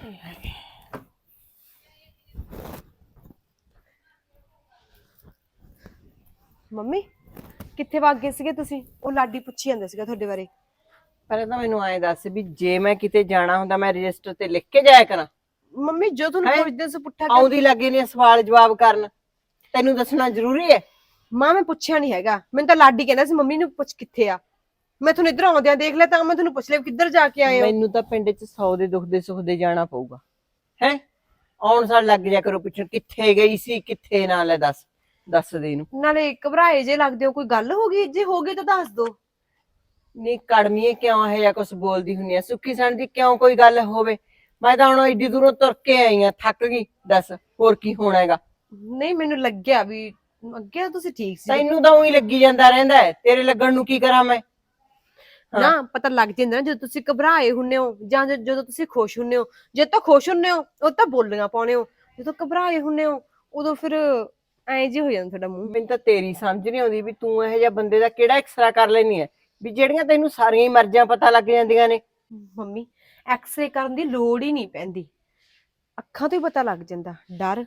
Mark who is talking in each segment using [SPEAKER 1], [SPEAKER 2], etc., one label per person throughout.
[SPEAKER 1] Mummy ਕਿੱਥੇ ਵਗ ਗਏ ਸੀਗੇ ਤੁਸੀਂ? ਉਹ ਲਾਡੀ ਪੁੱਛੀ ਜਾਂਦਾ ਸੀਗਾ ਤੁਹਾਡੇ ਬਾਰੇ।
[SPEAKER 2] ਪਹਿਲਾਂ ਤਾਂ ਮੈਨੂੰ ਐਂ ਦੱਸ ਵੀ ਜੇ ਮੈਂ ਕਿਤੇ ਜਾਣਾ ਹੁੰਦਾ ਮੈਂ ਰਜਿਸਟਰ ਤੇ ਲਿਖ ਕੇ ਜਾਇਆ ਕਰਾਂ।
[SPEAKER 1] ਮੰਮੀ ਜੋ ਤੁਹਾਨੂੰ ਪੁੱਛਦੇ ਸੀ ਪੁੱਠਾ
[SPEAKER 2] ਆਉਂਦੀ ਲੱਗੇ ਨੇ ਸਵਾਲ ਜਵਾਬ ਕਰਨ, ਤੈਨੂੰ ਦੱਸਣਾ ਜ਼ਰੂਰੀ ਹੈ?
[SPEAKER 1] ਮਾਂ ਮੈਂ ਪੁੱਛਿਆ ਨਹੀਂ ਹੈਗਾ, ਮੈਨੂੰ ਤਾਂ ਲਾਡੀ ਕਹਿੰਦਾ ਸੀ ਮੰਮੀ ਨੂੰ ਪੁੱਛ ਕਿੱਥੇ ਆ। ਮੈਂ ਤੁਹਾਨੂੰ ਇੱਧਰ ਆਉਂਦਿਆਂ ਦੇਖ ਲਿਆ ਤਾਂ ਮੈਂ ਤੁਹਾਨੂੰ ਪੁੱਛ ਲਿਆ ਕਿੱਧਰ ਜਾ ਕੇ ਆਏ ਹੋ।
[SPEAKER 2] ਮੈਨੂੰ ਤਾਂ ਪਿੰਡ 'ਚ 100 ਦੇ ਦੁੱਖ ਦੇ ਸੁੱਖ ਦੇ ਜਾਣਾ ਪਊਗਾ ਹੈ। ਆਉਣ ਸਾਲ ਲੱਗ ਜਾ ਕਰੋ ਪੁੱਛਣ ਕਿੱਥੇ ਗਈ ਸੀ ਕਿੱਥੇ ਨਾ। ਲੈ ਦੱਸ ਦੇ ਇਹਨੂੰ।
[SPEAKER 1] ਨਾਲੇ ਘਬਰਾਏ ਜੇ ਲੱਗਦੇ ਹੋ, ਕੋਈ ਗੱਲ ਹੋ ਗਈ? ਜੇ ਹੋ ਗਈ ਤਾਂ ਦੱਸ ਦੋ।
[SPEAKER 2] ਨਹੀਂ ਕੜਮੀਏ ਕਿਉਂ ਇਹ ਜਾਂ ਕੁਛ ਬੋਲਦੀ ਹੁੰਨੀ ਆ? ਸੁੱਖੀ ਸਣ ਦੀ ਕਿਉਂ ਕੋਈ ਗੱਲ ਹੋਵੇ? ਮੈਂ ਤਾਂ ਹੁਣ ਏਡੀ ਦੂਰੋਂ ਤੁਰ ਕੇ ਆਈ ਆ, ਥੱਕ ਗਈ। ਦੱਸ ਹੋਰ ਕੀ ਹੋਣਾ ਹੈਗਾ?
[SPEAKER 1] ਨਹੀਂ ਮੈਨੂੰ ਲੱਗਿਆ ਵੀ ਅੱਗੇ ਤੁਸੀਂ ਠੀਕ ਸੀ।
[SPEAKER 2] ਤੈਨੂੰ ਤਾਂ ਉਹੀ ਲੱਗੀ ਜਾਂਦਾ ਰਹਿੰਦਾ ਹੈ, ਤੇਰੇ ਲੱਗਣ ਨੂੰ ਕੀ ਕਰਾਂ ਮੈਂ?
[SPEAKER 1] ਨਾ ਪਤਾ ਲੱਗ ਜਾਂਦਾ ਨਾ ਜਦੋਂ ਤੁਸੀਂ ਘਬਰਾਏ ਹੁੰਨੇ ਹੋ ਜਾਂ ਜਦੋਂ ਤੁਸੀਂ ਖੁਸ਼ ਹੁੰਨੇ ਹੋ। ਜੇ ਤਾਂ ਖੁਸ਼ ਹੁੰਨੇ ਹੋ ਉਹ ਤਾਂ ਬੋਲੀਆਂ ਪਾਉਣੇ ਹੋ, ਜਦੋਂ ਘਬਰਾਏ ਹੁੰਨੇ ਹੋ ਉਦੋਂ ਫਿਰ ਐਂ ਜੇ ਹੋ ਜਾਂਦਾ ਤੁਹਾਡਾ ਮੂੰਹ।
[SPEAKER 2] ਮੈਨੂੰ ਤਾਂ ਤੇਰੀ ਸਮਝ ਨਹੀਂ ਆਉਂਦੀ ਵੀ ਤੂੰ ਇਹੋ ਜਿਹਾ ਬੰਦੇ ਦਾ ਕਿਹੜਾ ਐਕਸਰਾ ਕਰ ਲੈਣੀ ਹੈ ਵੀ ਜਿਹੜੀਆਂ ਤੈਨੂੰ ਸਾਰੀਆਂ ਹੀ ਮਰਜ਼ਾਂ ਪਤਾ ਲੱਗ ਜਾਂਦੀਆਂ ਨੇ।
[SPEAKER 1] ਮੰਮੀ ਐਕਸਰੇ ਕਰਨ ਦੀ ਲੋੜ ਹੀ ਨਹੀਂ ਪੈਂਦੀ, ਅੱਖਾਂ ਤੋਂ ਹੀ ਪਤਾ ਲੱਗ ਜਾਂਦਾ। ਡਰ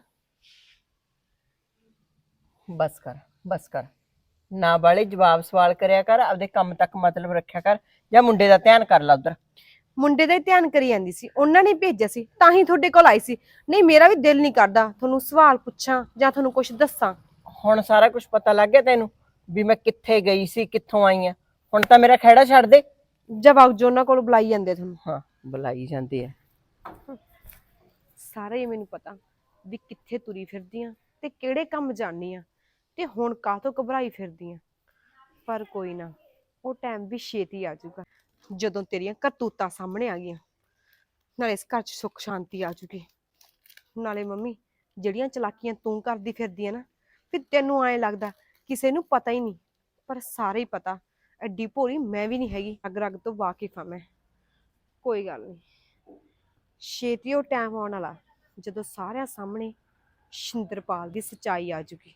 [SPEAKER 2] ਬਸ ਕਰ ਨਾ ਵਾਲੇ ਜਵਾਬ ਸਵਾਲ ਕਰਿਆ ਕਰ, ਆਪਦੇ ਕੰਮ ਤੱਕ ਮਤਲਬ ਰੱਖਿਆ ਕਰ, ਜਾਂ ਮੁੰਡੇ ਦਾ ਧਿਆਨ ਕਰ ਲਾ ਉਧਰ।
[SPEAKER 1] ਮੁੰਡੇ ਦਾ ਹੀ ਧਿਆਨ ਕਰੀ ਜਾਂਦੀ ਸੀ, ਉਹਨਾਂ ਨੇ ਭੇਜਿਆ ਸੀ ਤਾਂ ਹੀ ਤੁਹਾਡੇ ਕੋਲ ਆਈ ਸੀ। ਨਹੀਂ ਮੇਰਾ ਵੀ ਦਿਲ ਨਹੀਂ ਕਰਦਾ ਤੁਹਾਨੂੰ ਸਵਾਲ ਪੁੱਛਾਂ ਜਾਂ ਤੁਹਾਨੂੰ ਕੁਝ ਦੱਸਾਂ।
[SPEAKER 2] ਹੁਣ ਸਾਰਾ ਕੁਝ ਪਤਾ ਲੱਗ ਗਿਆ ਤੈਨੂੰ ਵੀ ਮੈਂ ਕਿੱਥੇ ਗਈ ਸੀ ਕਿੱਥੋਂ ਆਈ ਆ? ਹੁਣ ਤਾਂ ਮੇਰਾ ਖਹਿੜਾ ਛੱਡ ਦੇ।
[SPEAKER 1] ਜਵਾਬ ਜੋ ਉਹਨਾਂ ਕੋਲ ਬੁਲਾਈ ਜਾਂਦੇ ਤੁਹਾਨੂੰ।
[SPEAKER 2] ਹਾਂ ਬੁਲਾਈ ਜਾਂਦੀ ਹੈ।
[SPEAKER 1] ਸਾਰਾ ਹੀ ਮੈਨੂੰ ਪਤਾ ਵੀ ਕਿੱਥੇ ਤੁਰੀ ਫਿਰਦੀ ਆ ਤੇ ਕਿਹੜੇ ਕੰਮ ਜਾਣੀ ਆ ਤੇ ਹੁਣ ਕਾਹਤੋਂ ਘਬਰਾਈ ਫਿਰਦੀ ਆ। ਪਰ ਕੋਈ ਨਾ, ਉਹ ਟਾਈਮ ਵੀ ਛੇਤੀ ਆ ਜਾਊਗਾ ਜਦੋਂ ਤੇਰੀਆਂ ਕਰਤੂਤਾਂ ਸਾਹਮਣੇ ਆ ਗਈਆਂ। ਨਾਲੇ ਇਸ ਘਰ 'ਚ ਸੁੱਖ ਸ਼ਾਂਤੀ ਆ ਜੂਗੀ। ਨਾਲੇ ਮੰਮੀ ਜਿਹੜੀਆਂ ਚਲਾਕੀਆਂ ਤੂੰ ਕਰਦੀ ਫਿਰਦੀ ਆ ਨਾ, ਫਿਰ ਤੈਨੂੰ ਐਂ ਲੱਗਦਾ ਕਿਸੇ ਨੂੰ ਪਤਾ ਹੀ ਨਹੀਂ, ਪਰ ਸਾਰੇ ਹੀ ਪਤਾ। ਐਡੀ ਭੋਲੀ ਮੈਂ ਵੀ ਨਹੀਂ ਹੈਗੀ, ਰਗ ਤੋਂ ਵਾਕਿਫ ਆ ਮੈਂ। ਕੋਈ ਗੱਲ ਨਹੀਂ, ਛੇਤੀ ਉਹ ਟਾਈਮ ਆਉਣ ਵਾਲਾ ਜਦੋਂ ਸਾਰਿਆਂ ਸਾਹਮਣੇ ਸ਼ਿੰਦਰਪਾਲ ਦੀ ਸੱਚਾਈ ਆ ਜੂਗੀ।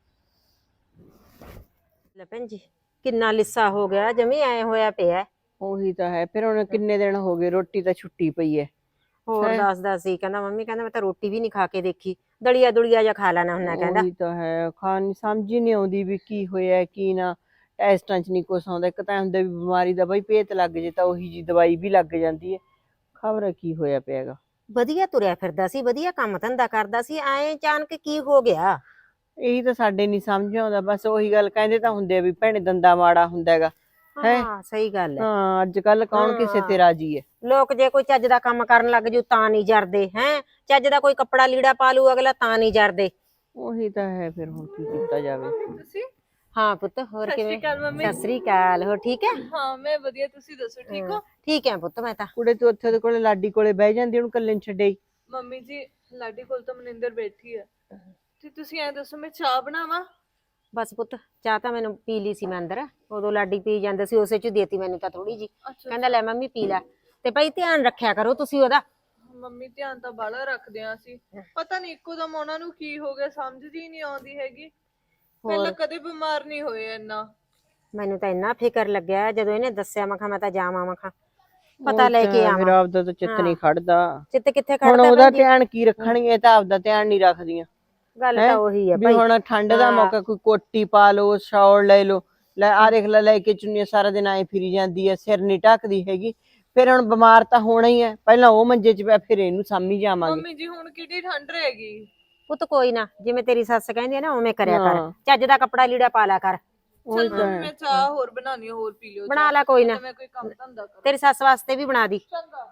[SPEAKER 3] ਲੈ ਭੈਣ ਜੀ ਕਿੰਨਾ ਲਿੱਸਾ ਹੋ ਗਿਆ, ਜਮੀ ਐ ਹੋਇਆ ਪਿਆ।
[SPEAKER 2] ਉਹੀ ਤਾਂ ਹੈ, ਫਿਰ ਹੁਣ ਕਿੰਨੇ ਦਿਨ ਹੋ ਗਏ, ਰੋਟੀ ਤਾਂ ਛੁੱਟੀ ਪਈ ਹੈ।
[SPEAKER 3] ਹੋਰ ਦੱਸਦਾ ਸੀ, ਕਹਿੰਦਾ ਮੰਮੀ ਕਹਿੰਦਾ ਮੈਂ ਤਾਂ ਰੋਟੀ ਵੀ ਨਹੀਂ ਖਾ ਕੇ ਦੇਖੀ, ਦਲੀਆ ਦੁਲੀਆ ਜਾਂ ਖਾ ਲੈਣਾ ਹੁੰਦਾ ਕਹਿੰਦਾ।
[SPEAKER 2] ਉਹੀ ਤਾਂ ਹੈ, ਖਾਣ ਸਮਝ ਹੀ ਨਹੀਂ ਆਉਂਦੀ ਵੀ ਕੀ ਹੋਇਆ ਕੀ ਨਾ। ਟੈਸਟਾਂ 'ਚ ਨਹੀਂ ਕੁਛ ਆਉਂਦਾ। ਇੱਕ ਤਾਂ ਹੁੰਦਾ ਵੀ ਬਿਮਾਰੀ ਦਾ ਬਈ ਭੇਤ ਲੱਗ ਜੇ ਤਾਂ ਉਹੀ ਜੀ ਦਵਾਈ ਵੀ ਲੱਗ ਜਾਂਦੀ ਹੈ। ਖਬਰ ਕੀ ਹੋਇਆ ਪਿਆਗਾ।
[SPEAKER 3] ਵਧੀਆ ਤੁਰਿਆ ਫਿਰਦਾ ਸੀ, ਵਧੀਆ ਕੰਮ ਧੰਦਾ ਕਰਦਾ ਸੀ, ਐ ਅਚਾਨਕ ਕੀ ਹੋ ਗਿਆ?
[SPEAKER 2] ਇਹੀ ਤਾਂ ਸਾਡੇ ਨਹੀਂ ਸਮਝ ਆਉਂਦਾ। ਬਸ ਉਹੀ ਗੱਲ ਕਹਿੰਦੇ ਤਾਂ ਹੁੰਦੇ ਆ ਵੀ ਭੈਣੇ ਦੰਦਾ ਮਾੜਾ ਹੁੰਦਾ ਹੈਗਾ।
[SPEAKER 3] ਹਾਂ ਸਹੀ ਗੱਲ ਹੈ।
[SPEAKER 2] ਹਾਂ ਅੱਜ ਕੱਲ ਕੌਣ ਕਿਸੇ ਤੇ ਰਾਜੀ ਹੈ?
[SPEAKER 3] ਲੋਕ ਜੇ ਕੋਈ ਚੱਜ ਦਾ ਕੰਮ ਕਰਨ ਲੱਗ ਜੂ ਤਾਂ ਨਹੀਂ ਜਰਦੇ ਹੈ, ਚੱਜ ਦਾ ਕੋਈ ਕੱਪੜਾ ਲੀੜਾ ਪਾ ਲੂ ਅਗਲਾ ਤਾਂ ਨਹੀਂ ਜਰਦੇ।
[SPEAKER 2] ਉਹੀ ਤਾਂ ਹੈ, ਫਿਰ ਹੁਣ ਕੀ ਕੀਤਾ ਜਾਵੇ।
[SPEAKER 3] ਹਾਂ ਪੁੱਤ ਹੋਰ ਕਿਵੇਂ? ਸਤਿ ਸ੍ਰੀ ਅਕਾਲ, ਹੋਰ ਠੀਕ ਹੈ?
[SPEAKER 4] ਹਾਂ ਮੈਂ ਵਧੀਆ, ਤੁਸੀਂ ਦੱਸੋ ਠੀਕ ਹੋ?
[SPEAKER 3] ਠੀਕ ਹੈ ਪੁੱਤ ਮੈਂ ਤਾਂ।
[SPEAKER 2] ਕੁੜੇ ਤੂੰ ਉੱਥੇ ਉਹਦੇ ਕੋਲੇ ਲਾਡੀ ਕੋਲੇ ਬਹਿ ਜਾਂਦੀ, ਉਹਨੂੰ ਇਕੱਲੇ ਨੂੰ ਛੱਡੇ।
[SPEAKER 4] ਮੰਮੀ ਜੀ ਲਾਡੀ ਕੋਲ ਤਾਂ ਮਨਿੰਦਰ ਬੈਠੀ ਹੈ, ਤੇ ਤੁਸੀਂ ਐ ਦੱਸੋ ਮੈਂ ਚਾਹ ਬਣਾਵਾਂ?
[SPEAKER 3] ਬਸ ਪੁੱਤ ਚਾਹ ਤਾਂ ਮੈਨੂੰ ਪੀ ਲਈ ਸੀ ਮੈਂ ਅੰਦਰ, ਉਦੋਂ ਲਾਡੀ ਪੀ ਜਾਂਦਾ ਸੀ, ਉਸੇ ਚ ਦੇਤੀ ਮੈਨੂੰ ਤਾਂ ਥੋੜੀ ਜੀ। ਕਹਿੰਦਾ ਲੈ ਮੰਮੀ ਪੀ ਲੈ, ਤੇ ਭਾਈ ਧਿਆਨ ਰੱਖਿਆ ਕਰੋ ਤੁਸੀਂ ਉਹਦਾ।
[SPEAKER 4] ਮੰਮੀ ਧਿਆਨ ਤਾਂ ਬਾਲਾ ਰੱਖਦੇ ਆ ਅਸੀਂ, ਪਤਾ ਨਹੀਂ ਇੱਕੋ ਦਮ ਉਹਨਾਂ ਨੂੰ ਕੀ ਹੋ ਗਿਆ ਸਮਝ ਹੀ ਨਹੀਂ ਆਉਂਦੀ ਹੈਗੀ। ਪਹਿਲਾਂ ਕਦੇ ਬਿਮਾਰ ਨਹੀਂ ਹੋਏ ਇੰਨਾ।
[SPEAKER 3] ਮੈਨੂੰ ਤਾਂ ਇੰਨਾ ਫਿਕਰ ਲੱਗਿਆ ਜਦੋਂ ਇਹਨੇ ਦੱਸਿਆ, ਮੈਂ ਕਿਹਾ ਮੈਂ ਤਾਂ ਜਾਵਾਂ, ਮੈਂ ਕਿਹਾ ਪਤਾ ਲੈ ਕੇ ਆਵਾਂ।
[SPEAKER 2] ਮੇਰਾ ਆਪਦਾ ਤਾਂ ਚਿੱਤ ਨਹੀਂ ਖੜਦਾ।
[SPEAKER 3] ਚਿੱਤ ਕਿੱਥੇ
[SPEAKER 2] ਹੁਣ
[SPEAKER 3] ਖੜਦਾ?
[SPEAKER 2] ਉਹਦਾ ਧਿਆਨ ਕੀ ਰੱਖਣਗੇ, ਤਾਂ ਆਪਦਾ ਧਿਆਨ ਨਹੀਂ ਰੱਖਦੀਆਂ।
[SPEAKER 3] ਗੱਲ ਤਾਂ ਉਹੀ ਹੈ
[SPEAKER 2] ਵੀ
[SPEAKER 3] ਭਾਈ।
[SPEAKER 2] ਹੁਣ ਠੰਡ ਦਾ ਮੌਕਾ, ਕੋਈ ਕੋਟੀ ਪਾ ਲਓ, ਸ਼ਾਲ ਲੈ ਲਓ। ਲੈ ਆ ਦੇਖ ਲੈ ਕੇ ਚੁੰਨੀ ਸਾਰਾ ਦਿਨ ਆਏ ਫਿਰੀ ਜਾਂਦੀ ਹੈ, ਸਿਰ ਨਹੀਂ ਢੱਕਦੀ ਹੈਗੀ। ਫਿਰ ਹੁਣ ਬਿਮਾਰ ਤਾਂ ਹੋਣਾ ਹੀ ਹੈ। ਪਹਿਲਾਂ ਉਹ ਮੰਜੇ 'ਚ ਪਿਆ, ਫਿਰ ਇਹਨੂੰ ਸਾਂਭੀ ਜਾਵਾਂਗੇ।
[SPEAKER 4] ਮੰਮੀ ਜੀ ਹੁਣ ਕਿਹੜੀ ਠੰਡ ਰਹੇਗੀ?
[SPEAKER 3] ਪੁੱਤ ਕੋਈ ਨਾ, ਜਿਵੇਂ ਤੇਰੀ ਸੱਸ ਕਹਿੰਦੀ ਹੈ ਨਾ ਉਵੇਂ ਕਰਿਆ ਕਰ, ਚੱਜ ਦਾ ਕੱਪੜਾ ਲੀੜਾ ਪਾ ਲਿਆ ਕਰ।
[SPEAKER 4] ਚਲ ਮੰਮੀ ਮੈਂ ਚਾਹ ਹੋਰ ਬਣਾਉਣੀ, ਹੋਰ ਪੀ ਲਿਓ।
[SPEAKER 3] ਬਣਾ ਲੈ ਕੋਈ ਨਾ,
[SPEAKER 4] ਮੈਂ ਕੋਈ ਕੰਮ ਧੰਦਾ ਕਰਾਂ।
[SPEAKER 3] ਤੇਰੀ ਸੱਸ ਵਾਸਤੇ ਵੀ ਬਣਾ ਦੀ।
[SPEAKER 4] ਚੰਗਾ।